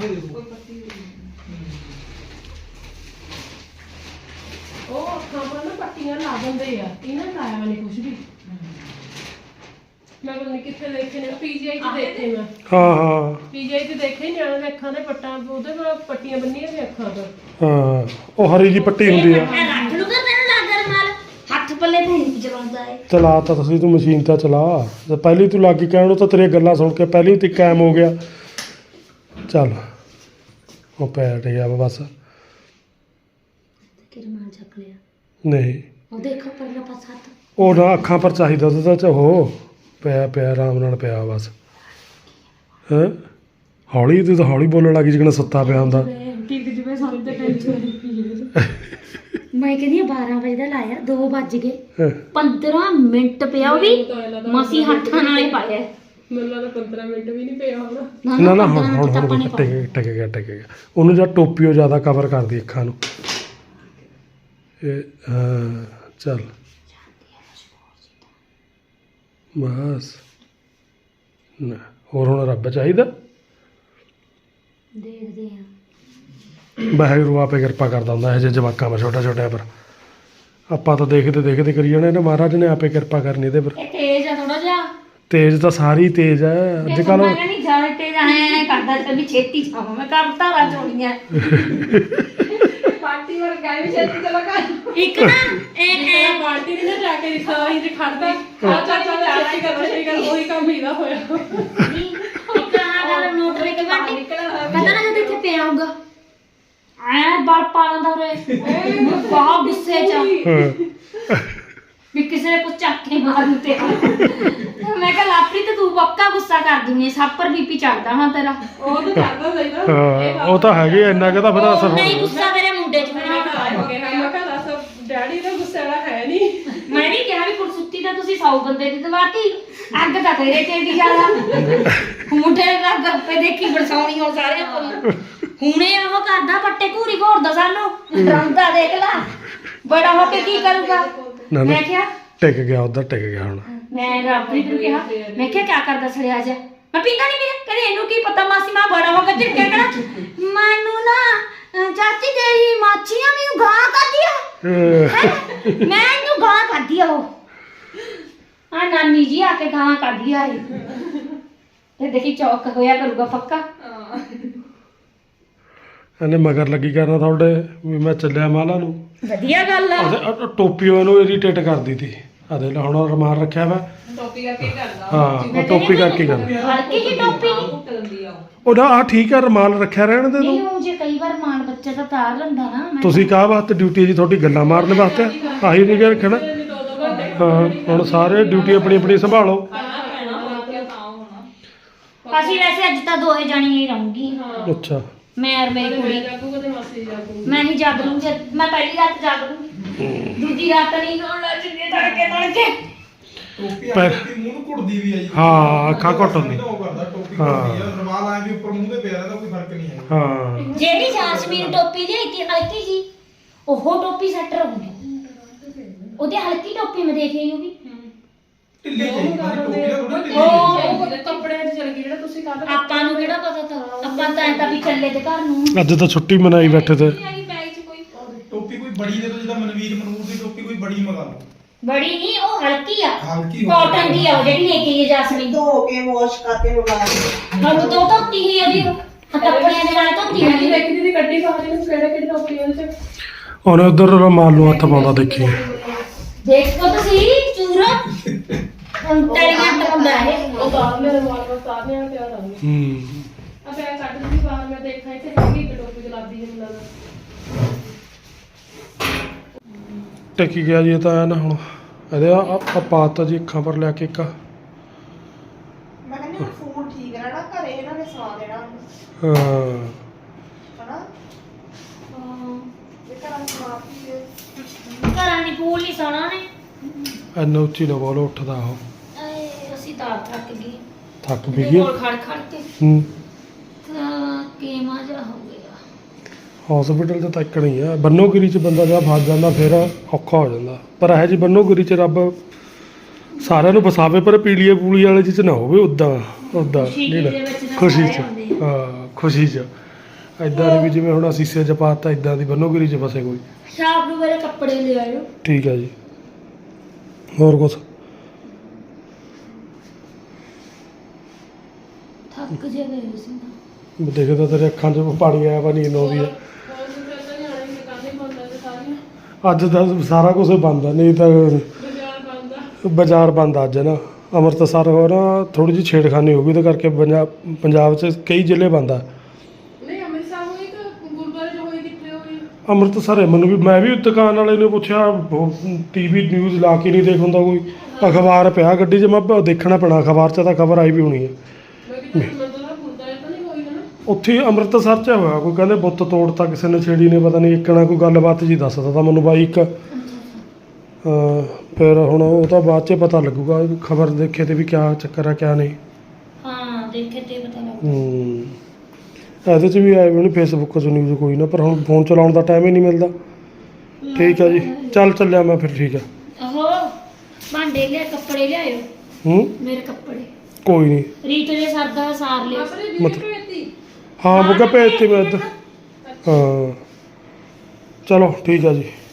[SPEAKER 2] ਉਹ ਅੱਖਾਂ ਪਰ ਨਾ ਪੱਟੀਆਂ ਲਾ ਦਿੰਦੇ ਆ, ਇਹਨਾਂ ਨੇ ਲਾਇਆ ਮੈਨੇ ਕੁਝ ਵੀ। ਮੈਂ ਪਤਾ ਨਹੀਂ ਕਿੱਥੇ ਦੇਖੇ ਨੇ, ਪੀਜੀਆਈ 'ਚ ਦੇਖੇ ਮੈਂ।
[SPEAKER 1] ਹਾਂ ਹਾਂ
[SPEAKER 2] ਪੀਜੀਆਈ 'ਚ ਦੇਖੇ ਨਿਆਣੇ ਦੇ ਅੱਖਾਂ ਦੇ ਪੱਟਾਂ, ਉਹਦੇ ਕੋਲ ਪੱਟੀਆਂ ਬੰਨੀਆਂ ਨੇ ਅੱਖਾਂ ਪਰ।
[SPEAKER 1] ਹਾਂ ਉਹ ਹਰੀ ਜੀ ਪੱਟੀ ਹੁੰਦੀ ਆ।
[SPEAKER 3] ਮੈਂ ਰੱਖ ਲੂਗਾ ਤੈਨੂੰ ਲੱਗ ਰਮਾਲ ਹੱਥ ਪੱਲੇ ਤੇ ਨਹੀਂ ਚਲਾਉਂਦਾ ਏ।
[SPEAKER 1] ਚਲਾ ਤਾਂ ਤੁਸੀਂ, ਤੂੰ ਮਸ਼ੀਨ ਤਾਂ ਚਲਾ। ਤੇ ਪਹਿਲੀ ਤੂੰ ਲੱਗ ਗਈ ਕਹਿਣ ਨੂੰ ਤਾਂ ਤੇਰੀਆਂ ਗੱਲਾਂ ਸੁਣ ਕੇ ਪਹਿਲੀ ਤੇ ਕਾਇਮ ਹੋ ਗਿਆ। ਚੱਲ ਉਹ ਪੈਟ ਗਿਆ ਵਾ ਬਸ।
[SPEAKER 3] ਕਿ ਰਮਾਲ ਚੱਕ ਲਿਆ
[SPEAKER 1] ਨਹੀਂ
[SPEAKER 3] ਉਹ ਦੇਖੋ ਪਰਲਾ ਪਾਸਾ ਹੱਥ।
[SPEAKER 1] ਉਹ ਨਾ ਅੱਖਾਂ ਪਰ ਚਾਹੀਦਾ ਉਹਦੇ ਤਾਂ ਚ ਉਹ ਪਿਆ ਪਿਆ ਆਰਾਮ ਨਾਲ ਪਿਆ ਬਸ। ਹੈਂ ਹੌਲੀ ਤੂੰ ਤਾਂ ਹੌਲੀ ਬੋਲਣ ਲੱਗੀ ਜਿਵੇਂ ਸੁੱਤਾ ਪਿਆ ਹੁੰਦਾ।
[SPEAKER 2] ਠੀਕ ਜਿਵੇਂ ਸਾਨੂੰ ਤੇ ਟੈਨਸ਼ਨ।
[SPEAKER 3] ਮੈਂ ਕਹਿੰਦੀ ਆ ਬਾਰਾਂ ਵਜੇ ਦਾ ਲਾਇਆ ਦੋ ਵੱਜ ਗਏ
[SPEAKER 1] ਹੈਂ।
[SPEAKER 3] ਪੰਦਰਾਂ ਮਿੰਟ ਪਿਆ ਉਹ ਵੀ ਮਸੀ ਹੱਥਾਂ ਨਾਲ ਹੀ ਪਾਇਆ।
[SPEAKER 2] ਮੈਨੂੰ ਲੱਗਦਾ ਪੰਦਰਾਂ ਮਿੰਟ ਵੀ ਨਹੀਂ ਪਿਆ ਹੋਣਾ।
[SPEAKER 1] ਨਾ ਨਾ ਹੁਣ
[SPEAKER 3] ਪੰਦਰਾਂ
[SPEAKER 1] ਹੁਣ
[SPEAKER 3] ਮਿੰਟ ਤਾਂ ਆਪਾਂ
[SPEAKER 1] ਹੁਣ
[SPEAKER 3] ਨੇ
[SPEAKER 1] ਟਿਕ ਗਿਆ ਟਿਕ ਗਿਆ ਟਿਕ ਗਿਆ। ਉਹਨੂੰ ਜਾਂ ਟੋਪੀ ਉਹ ਜ਼ਿਆਦਾ ਕਵਰ ਕਰਦੀ ਅੱਖਾਂ ਨੂੰ। ਇਹ ਹਾਂ ਚੱਲ ਬਸ ਨਾ ਹੋਰ ਹੁਣ ਰੱਬ ਚਾਹੀਦਾ।
[SPEAKER 3] ਦੇਖਦੇ ਆ
[SPEAKER 1] ਵਾਹਿਗੁਰੂ ਆਪੇ ਕਿਰਪਾ ਕਰਦਾ ਹੁੰਦਾ ਇਹ ਜਿਹੇ ਜਵਾਕਾਂ ਪਰ, ਛੋਟਾ ਛੋਟਿਆਂ ਪਰ। ਆਪਾਂ ਤਾਂ ਦੇਖਦੇ ਦੇਖਦੇ ਕਰੀ ਜਾਣੇ ਨੇ, ਮਹਾਰਾਜ ਨੇ ਆਪੇ ਕਿਰਪਾ ਕਰਨੀ ਇਹਦੇ ਪਰ।
[SPEAKER 3] ਇਹ ਤੇਜ਼ ਆ ਥੋੜਾ ਜਿਹਾ।
[SPEAKER 1] ਤੇਜ਼ ਤਾਂ ਸਾਰੀ ਤੇਜ਼ ਹੈ ਅੱਜ ਕੱਲ੍ਹ।
[SPEAKER 3] ਮੈਂ ਕਹਿੰਦੀ ਜ਼ਿਆਦਾ ਤੇਜ਼ ਆਏ ਕਰਦਾ ਤੇ ਵੀ ਛੇਤੀ ਜਾਵਾਂ ਮੈਂ ਕਰ ਧਾਰਾ ਚੋਣੀਆਂ।
[SPEAKER 2] ਪਾਰਟੀ ਵਰਗਾ ਵੀ ਛੇਤੀ ਚਲਾ ਕਰ।
[SPEAKER 3] ਇੱਕ ਨਾ ਇਹ ਇਹ
[SPEAKER 2] ਪਾਰਟੀ ਨਹੀਂ ਨਾ ਜਾ ਕੇ ਦਿਖਾ ਹੀ ਤੇ ਖੜਦਾ। ਆ ਚਾ ਚਾ ਛੇਤੀ ਕਰ ਛੇਤੀ ਕਰ, ਉਹੀ ਕੰਮ ਹੀਦਾ ਹੋਇਆ।
[SPEAKER 3] ਇੱਕ ਆਹ ਗੱਲ ਨੋਟ ਕਰਕੇ ਬਾਟੀ ਪਤਾ ਨਾ ਜਦੋਂ ਇੱਥੇ ਪਿਆ ਹੋਊਗਾ ਐ ਬਲ ਪਾਣਾ ਦਾ ਰੇ ਬਹੁਤ ਗੁੱਸੇ ਚ
[SPEAKER 1] ਹਾਂ
[SPEAKER 3] ਵੀ ਕਿਸੇ ਨੇ ਕੁਝ ਚੱਕ ਕੇ ਮਾਰੂ ਤੇ ਮੈਂ ਕਿਹਾ ਲਾਪਰੀ ਤੇ ਤੂੰ ਪੱਕਾ ਗੁੱਸਾ ਕਰ ਦਿੰਦੀ ਸਭ ਪਰ ਬੀਪੀ ਚੜਦਾ ਹਾਂ ਤੇਰਾ
[SPEAKER 2] ਉਹ ਤਾਂ ਕਰਦਾ ਸਹੀ ਨਾ
[SPEAKER 1] ਹਾਂ ਉਹ ਤਾਂ ਹੈਗੇ ਇੰਨਾ ਕਿ ਤਾਂ ਫਿਰ ਅਸਰ
[SPEAKER 3] ਨਹੀਂ
[SPEAKER 1] ਹੋਣਾ
[SPEAKER 3] ਗੁੱਸਾ ਮੇਰੇ ਮੁੰਡੇ ਚ ਮੇਰੇ
[SPEAKER 2] ਹੋ ਗਿਆ ਮੈਂ ਕਿਹਾ ਦੱਸ ਡੈਡੀ ਦਾ ਗੁੱਸੇ ਵਾਲਾ ਹੈ ਨਹੀਂ
[SPEAKER 3] ਮੈਂ ਵੀ ਕਿਹਾ ਵੀ ਕੁਰਸੁੱਤੀ ਤਾਂ ਤੁਸੀਂ ਸੌ ਬੰਦੇ ਦੀ ਦਵਾਤੀ ਅੱਗ ਤਾਂ ਤੇਰੇ ਤੇ ਦੀ ਜ਼ਿਆਦਾ ਮੁੰਡੇ ਦਾ ਗੱਪੇ ਦੇਖੀ ਬਰਸਾਉਣੀ ਹੋ ਸਾਰੇ ਕੋਲ ਹੁਣੇ ਉਹ ਕਰਦਾ ਪੱਟੇ ਘੂਰੀ ਘੋਰਦਾ ਸਾਨੂੰ ਰੰਦਾ ਦੇਖ ਲਾ ਬੜਾ ਹੋ ਕੇ ਕੀ ਕਰੂਗਾ
[SPEAKER 1] ਨਾ ਨਾ
[SPEAKER 3] ਮੈਂ ਕਿਹਾ
[SPEAKER 1] ਟਿਕ ਗਿਆ ਉਧਰ ਟਿਕ ਗਿਆ ਹੁਣ
[SPEAKER 3] ਮੈਂ ਰੱਬੀ ਨੂੰ ਕਿਹਾ ਮੈਂ ਕਿਹਾ ਕੀ ਕਰਦਾ ਸੜਿਆ ਜਾ ਮੈਂ ਪੀਂਦਾ ਨਹੀਂ ਪੀਂਦਾ ਕਹਿੰਦੇ ਇਹਨੂੰ ਕੀ ਪਤਾ ਮਾਸੀ ਮਾਂ ਬੜਾ ਹੋ ਕੇ ਝਿੜਕਿਆ ਕਰਾ ਮੈਨੂੰ ਨਾ ਅਹ ਚਾਚੀ ਤੇਰੀ ਮਾਛੀਆਂ ਮੈਨੂੰ ਗਾਂ ਕਰਦੀ ਆ ਹੈਂ? ਮੈਂ ਇਹਨੂੰ ਗਾਂ ਕਰਦੀ ਆ ਉਹ ਆ ਨਾਨੀ ਜੀ ਆ ਕੇ ਗਾਂ ਕਰਦੀ ਆ ਇਹ ਤੇ ਦੇਖੀ ਚੌਕ ਹੋਇਆ ਕਰੂਗਾ ਪੱਕਾ
[SPEAKER 1] ਇਹਨੇ ਮਗਰ ਲੱਗੀ ਕਰਨਾ ਤੁਹਾਡੇ ਵੀ ਮੈਂ ਚੱਲਿਆ ਮਾਲਾ ਨੂੰ
[SPEAKER 3] ਵਧੀਆ ਗੱਲ ਆ
[SPEAKER 1] ਉਹਦੇ ਅ- ਟੋਪੀ ਉਹਨੂੰ ਇਰੀਟੇਟ ਕਰਦੀ ਤੀ ਆਦੇ ਲੈ ਹੁਣ ਰਮਾਨ ਰੱਖਿਆ ਵਾ
[SPEAKER 2] ਟੋਪੀ ਕਰਕੇ ਹੀ ਕਰਦਾ
[SPEAKER 1] ਹਾਂ ਉਹ ਟੋਪੀ ਕਰਕੇ ਕਰ
[SPEAKER 3] ਹਲਕੀ ਜੀ ਟੋਪੀ ਨੀ।
[SPEAKER 2] ਕੁੱਟ ਦਿੰਦੀ ਆ
[SPEAKER 1] ਉਹ ਨਾ ਆ ਠੀਕ ਆ ਰਮਾਨ ਰੱਖਿਆ ਰਹਿਣ ਦੇ
[SPEAKER 3] ਨਹੀਂ
[SPEAKER 1] ਤੂੰ
[SPEAKER 3] ਉਹ ਜੇ ਕਈ ਵਾਰ ਮਾਨ ਬੱਚਾ ਤਾਂ ਤਾਰ ਲੈਂਦਾ ਨਾ ਮੈਂ
[SPEAKER 1] ਤੁਸੀਂ ਕਾਹ ਵਾਸਤੇ ਡਿਊਟੀ ਜੀ ਤੁਹਾਡੀ ਗੱਲਾਂ ਮਾਰਨ ਵਾਸਤੇ ਆਹੀ ਨਹੀਂ ਰੱਖਣਾ
[SPEAKER 2] ਦੋ ਦੋ ਘੰਟੇ
[SPEAKER 1] ਹਾਂ ਹੁਣ ਸਾਰੇ ਡਿਊਟੀ ਆਪਣੀ ਆਪਣੀ ਸੰਭਾਲੋ
[SPEAKER 2] ਕਰਨਾ ਪੈਣਾ ਰਾਤ ਤਾਂ ਹੋਣਾ
[SPEAKER 3] ਅਸੀਂ ਵੈਸੇ ਅੱਜ ਤਾਂ ਦੋਏ ਜਾਣੀਆਂ ਹੀ ਰਹੂੰਗੀ
[SPEAKER 1] ਅੱਛਾ
[SPEAKER 3] ਮੈਂ ਔਰ ਮੇਰੀ ਕੁੜੀ
[SPEAKER 2] ਜਾਗੂਗਾ ਤੇ ਮਾਸੀ ਜਾਗੂਗੀ
[SPEAKER 3] ਮੈਂ ਹੀ ਜਾਗ ਲੂੰਗੀ ਮੈਂ ਪਹਿਲੀ ਰਾਤ ਜਾਗ ਲੂੰਗੀ ਦੂਜੀ ਰਾਤ ਨਹੀਂ ਹੋਣ ਲੱਗ ਜਿੰਨੇ ਤੜਕੇ ਤੜਕੇ
[SPEAKER 5] ਟੋਪੀ
[SPEAKER 1] ਪਰ-
[SPEAKER 5] ਆਪਣੀ ਮੂੰਹ ਨੂੰ ਘੁੱਟਦੀ ਵੀ ਆ ਜੀ
[SPEAKER 1] ਹਾਂ, ਅੱਖਾਂ ਘੁੱਟ ਹੁੰਦੀ।
[SPEAKER 5] ਉਹ ਕਰਦਾ ਟੋਪੀ
[SPEAKER 1] ਹਾਂ।
[SPEAKER 5] ਘੁੱਟਦੀ ਆ ਰਮਾਲ ਆਏ ਵੀ ਉੱਪਰ ਮੂੰਹ ਦੇ ਪਿਆ ਰਹਿੰਦਾ ਕੋਈ ਫਰਕ ਨਹੀਂ ਹੈ
[SPEAKER 1] ਹਾਂ
[SPEAKER 3] ਜਿਹੜੀ ਜਾਸਮੀਨ ਟੋਪੀ ਲਈ ਤੀ ਹਲਕੀ ਜੀ ਉਹ ਟੋਪੀ ਸੈੱਟ ਰਹੂਗੀ ਉਹਦੀ ਹਲਕੀ ਟੋਪੀ ਮੈਂ ਦੇਖ ਰਹੀ ਹੋਗੀ
[SPEAKER 5] ਢਿੱਲੀ ਚਾਹੀਦੀ ਟੋਪੀ ਦਾ ਥੋੜੀ ਢਿੱਲੀ
[SPEAKER 3] ਉਹ-
[SPEAKER 5] ਚਾਹੀਦੀ।
[SPEAKER 2] ਉਹ ਕੱਪੜਿਆਂ 'ਚ ਚਲ ਗਈ ਜਿਹੜਾ ਤੁਸੀਂ ਕੱਲ
[SPEAKER 3] ਆਪਾਂ ਨੂੰ ਕਿਹੜਾ ਪਤਾ ਤਾਂ ਆਪਾਂ ਤਾਂ ਐਂ ਤਾਂ ਵੀ ਚੱਲੇ ਤੇ ਘਰ ਨੂੰ
[SPEAKER 1] ਅੱਜ ਤਾਂ ਛੁੱਟੀ ਮਨਾਈ ਬੈਠੇ ਤੇ
[SPEAKER 5] ਟੋਪੀ ਕੋਈ ਬੜੀ ਦੇ ਦੋ ਜਿੱਦਾਂ ਮਨਵੀਰ ਮਨੂਰ ਦੀ ਟੋਪੀ ਕੋਈ ਬੜੀ ਮੰਗਾ ਲਓ
[SPEAKER 3] ਬੜੀ ਨਹੀਂ ਉਹ ਹਲਕੀ ਆ
[SPEAKER 5] ਹਲਕੀ ਹੋ
[SPEAKER 3] ਕਾਟਨ ਦੀ ਆ ਉਹ ਜਿਹੜੀ ਲੈ ਕੇ ਗਈ ਜਾਸਮੀਨ
[SPEAKER 6] ਧੋ ਕੇ ਵਾਸ਼ ਕਰਕੇ ਮੰਗਾ ਲਈ
[SPEAKER 3] ਹਾਂ ਉਹ ਤੋਂ ਧੋਤੀ ਹੀ ਉਹਦੀ ਕੱਪੜਿਆਂ ਦੇ ਨਾਲ ਧੋਤੀ
[SPEAKER 2] ਦੇਖੀ
[SPEAKER 3] ਹੋਈ
[SPEAKER 2] ਦੇਖੀ ਦੀ ਗੱਡੀ ਬਾਹਰ ਨੂੰ ਕਿਹੜੇ ਕਿਹੜੇ ਟੋਪੀ ਉਹਦੇ 'ਚ
[SPEAKER 1] ਉਹਨੇ ਉਧਰ ਰਮਾਨ ਨੂੰ ਹੱਥ ਪਾਉਂਦਾ ਦੇਖੀ
[SPEAKER 3] ਦੇਖੋ ਤੁਸੀਂ ਚੂਰਾ ਤਲੀਆਂ ਟਪਾਉਂਦਾ ਹੈ
[SPEAKER 2] ਉਹ ਬਾਹਰ ਮੇਰੇ ਵਾਲ ਵਾਲ ਸਾਰਨੇ ਆ ਪਿਆ ਰੰਗ
[SPEAKER 1] ਹੂੰ
[SPEAKER 2] ਆ ਪਿਆ ਕੱਢ ਦਿੱਤੀ ਬਾਹਰ ਮੈਂ ਦੇਖਾਂ ਇੱਥੇ ਹੈਗੀ ਇੱਕ ਟੋਪੀ ਗੁਲਾਬੀ ਜਿਹੀ ਮੈਨੂੰ
[SPEAKER 1] ਟਿਕ ਗਿਆ ਜੀ ਇਹ ਤਾਂ ਐ ਨਾ ਹੁਣ ਇਹਦੇ ਆ ਆ ਪਾਤਾ ਜੀ ਅੱਖਾਂ ਪਰ ਲਿਆ ਕੇ ਇੱਕ
[SPEAKER 6] ਮੈਂ ਕਹਿੰਦੀ ਹੁਣ ਫੋਨ ਠੀਕ ਰਹਿਣਾ ਘਰੇ ਇਹਨਾਂ ਨੇ ਸਵਾ ਦੇਣਾ
[SPEAKER 1] ਹਾਂ
[SPEAKER 6] ਹਨਾ ਇਹ ਘਰਾਂ ਸਵਾ ਕੇ
[SPEAKER 3] ਘਰਾਂ ਦੀ ਫੂਲ ਨਹੀਂ ਸੋਣਾ ਨੇ
[SPEAKER 1] ਐਨਾ ਉੱਚੀ ਨਾ ਬੋਲੋ ਉੱਠਦਾ ਉਹ
[SPEAKER 3] ਆਏ, ਅਸੀਂ ਤਾਂ ਥੱਕ ਗਏ
[SPEAKER 1] ਥੱਕ ਵੀ
[SPEAKER 3] ਇਹਦੇ
[SPEAKER 1] ਗਿਆ
[SPEAKER 3] ਕੋਲ ਖੜ ਖੜ ਕੇ
[SPEAKER 1] ਹੂੰ
[SPEAKER 3] ਤਾਂ ਕੀਮਾ ਜਾ ਹੋ ਗਿਆ
[SPEAKER 1] ਹਸਪੀਟਲ 'ਚ ਤੱਕ ਨਹੀਂ ਆ ਬੰਨੋਗਿਰੀ 'ਚ ਬੰਦਾ ਜਦ ਫਸ ਜਾਂਦਾ ਫਿਰ ਔਖਾ ਹੋ ਜਾਂਦਾ ਪਰ ਇਹ ਜੀ ਬੰਨੋਗਿਰੀ 'ਚ ਰੱਬ ਸਾਰਿਆਂ ਨੂੰ ਫਸਾਵੇ ਪਰ ਪੀਲੀਏ ਪੂਲੀ ਵਾਲੇ 'ਚ ਨਾ ਹੋਵੇ ਉਦਾਂ ਉਦਾਂ
[SPEAKER 3] ਖੁਸ਼ੀ
[SPEAKER 1] ਨਹੀਂ
[SPEAKER 3] ਦੇ
[SPEAKER 1] ਨਾ
[SPEAKER 3] ਵਿੱਚ ਤਾਂ
[SPEAKER 1] ਖੁਸ਼ੀ 'ਚ
[SPEAKER 3] ਸਾਰੇ ਹੁੰਦੇ ਆ।
[SPEAKER 1] ਹਾਂ ਖੁਸ਼ੀ 'ਚ ਐਦਾਂ ਨਹੀਂ ਵੀ ਜਿਵੇਂ ਹੁਣ ਅਸੀਂ ਸੇ 'ਚ ਪਾਤਾ ਇਦਾਂ ਦੀ ਬੰਨੋਗਿਰੀ 'ਚ ਫਸੇ ਕੋਈ
[SPEAKER 3] ਸ਼ਾਮ ਨੂੰ ਮੇਰੇ ਕੱਪੜੇ ਲੈ ਆਇਓ
[SPEAKER 1] ਠੀਕ ਹੈ ਜੀ ਹੋਰ ਕੁਛ
[SPEAKER 3] ਥੱਕ ਜੇ ਗਏ ਸੀ ਨਾ।
[SPEAKER 1] ਦੇਖਦਾ ਤੇਰੇ ਅੱਖਾਂ 'ਚ ਪਾਣੀ ਆਇਆ ਵਾ ਨੀਂਦ ਆਉਂਦੀ ਆ ਅੱਜ ਤਾਂ ਸਾਰਾ ਕੁਝ ਬੰਦ ਆ ਨਹੀਂ ਤਾਂ ਬਾਜ਼ਾਰ ਬੰਦ ਆ ਅੱਜ ਨਾ ਅੰਮ੍ਰਿਤਸਰ ਹੋ ਨਾ ਥੋੜੀ ਜਿਹੀ ਛੇੜਖਾਨੀ ਹੋ ਗਈ ਤੇ ਕਰਕੇ ਪੰਜਾਬ ਪੰਜਾਬ 'ਚ ਕਈ ਜ਼ਿਲ੍ਹੇ ਬੰਦ ਆ
[SPEAKER 2] ਨਹੀਂ ਅੰਮ੍ਰਿਤਸਰ ਹੋਈ ਕਿ ਗੁਰਦੁਆਰੇ 'ਚ ਹੋਈ ਕਿੱਥੇ ਹੋਈ
[SPEAKER 1] ਅੰਮ੍ਰਿਤਸਰ ਹੈ ਮੈਨੂੰ ਵੀ ਮੈਂ ਵੀ ਦੁਕਾਨ ਵਾਲੇ ਨੂੰ ਪੁੱਛਿਆ ਟੀਵੀ ਨਿਊਜ਼ ਲਾ ਕੇ ਨਹੀਂ ਦੇਖ ਹੁੰਦਾ ਕੋਈ ਅਖਬਾਰ ਪਿਆ ਗੱਡੀ 'ਚ ਮੈਂ ਕਿਹਾ ਦੇਖਣਾ ਪੈਣਾ ਅਖਬਾਰ 'ਚ ਤਾਂ ਖਬਰ ਆਈ ਵੀ ਹੋਣੀ ਹੈ
[SPEAKER 2] ਮੈਂ ਕਿਹਾ ਮੰਦਰ ਦਾ ਗੁਰਦੁਆਰੇ ਤਾਂ ਨਹੀਂ ਹੋਈ ਨਾ
[SPEAKER 1] ਉੱਥੇ ਹੀ ਅੰਮ੍ਰਿਤਸਰ 'ਚ ਹੋਇਆ ਕੋਈ ਕਹਿੰਦੇ ਬੁੱਤ ਤੋੜਤਾ ਕਿਸੇ ਨੇ ਛੇੜੀ ਨੇ ਪਤਾ ਨਹੀਂ ਇੱਕਣਾ ਕੋਈ ਗੱਲਬਾਤ ਜੀ ਦੱਸਦਾ ਤਾਂ ਮੈਨੂੰ ਬਾਈ ਇੱਕ ਹਾਂ ਫਿਰ ਹੁਣ ਉਹ ਤਾਂ ਬਾਅਦ 'ਚ ਪਤਾ ਲੱਗੂਗਾ ਖਬਰ ਦੇਖੇ ਤੇ ਵੀ ਕਿਆ ਚੱਕਰ ਆ ਕਿਆ ਨਹੀਂ
[SPEAKER 3] ਹਾਂ ਦੇਖੇ ਤੇ ਪਤਾ ਲੱਗ
[SPEAKER 1] ਹੂੰ ਇਹਦੇ 'ਚ ਵੀ ਆਏ ਵੀ ਨਹੀਂ ਫੇਸਬੁੱਕ 'ਚ ਨਿਊਜ਼ ਕੋਈ ਨਾ ਪਰ ਹੁਣ ਫੋਨ ਚਲਾਉਣ ਦਾ ਟਾਈਮ ਹੀ ਨਹੀਂ ਮਿਲਦਾ ਠੀਕ ਆ ਜੀ ਚੱਲ ਚੱਲਿਆ ਮੈਂ ਫਿਰ ਠੀਕ ਆ
[SPEAKER 3] ਆਹੋ ਭਾਂਡੇ ਲਿਆ ਕੱਪੜੇ ਲਿਆਇਓ
[SPEAKER 1] ਹੂੰ
[SPEAKER 3] ਮੇਰੇ ਕੱਪੜੇ
[SPEAKER 1] ਕੋਈ ਨਹੀਂ
[SPEAKER 3] ਰੀਤ ਦੇ ਸਰਦਾ ਸਾਰ ਲਿਓ
[SPEAKER 2] ਆਪਣੇ ਜੀ
[SPEAKER 1] ਮਤਲਬ-
[SPEAKER 2] ਭੇਜਤੀ
[SPEAKER 1] ਹਾਂ ਬੁੱਗਾ ਭੇਜਤੀ ਮੈਂ ਇੱਧਰ ਹਾਂ ਚਲੋ ਠੀਕ ਆ ਜੀ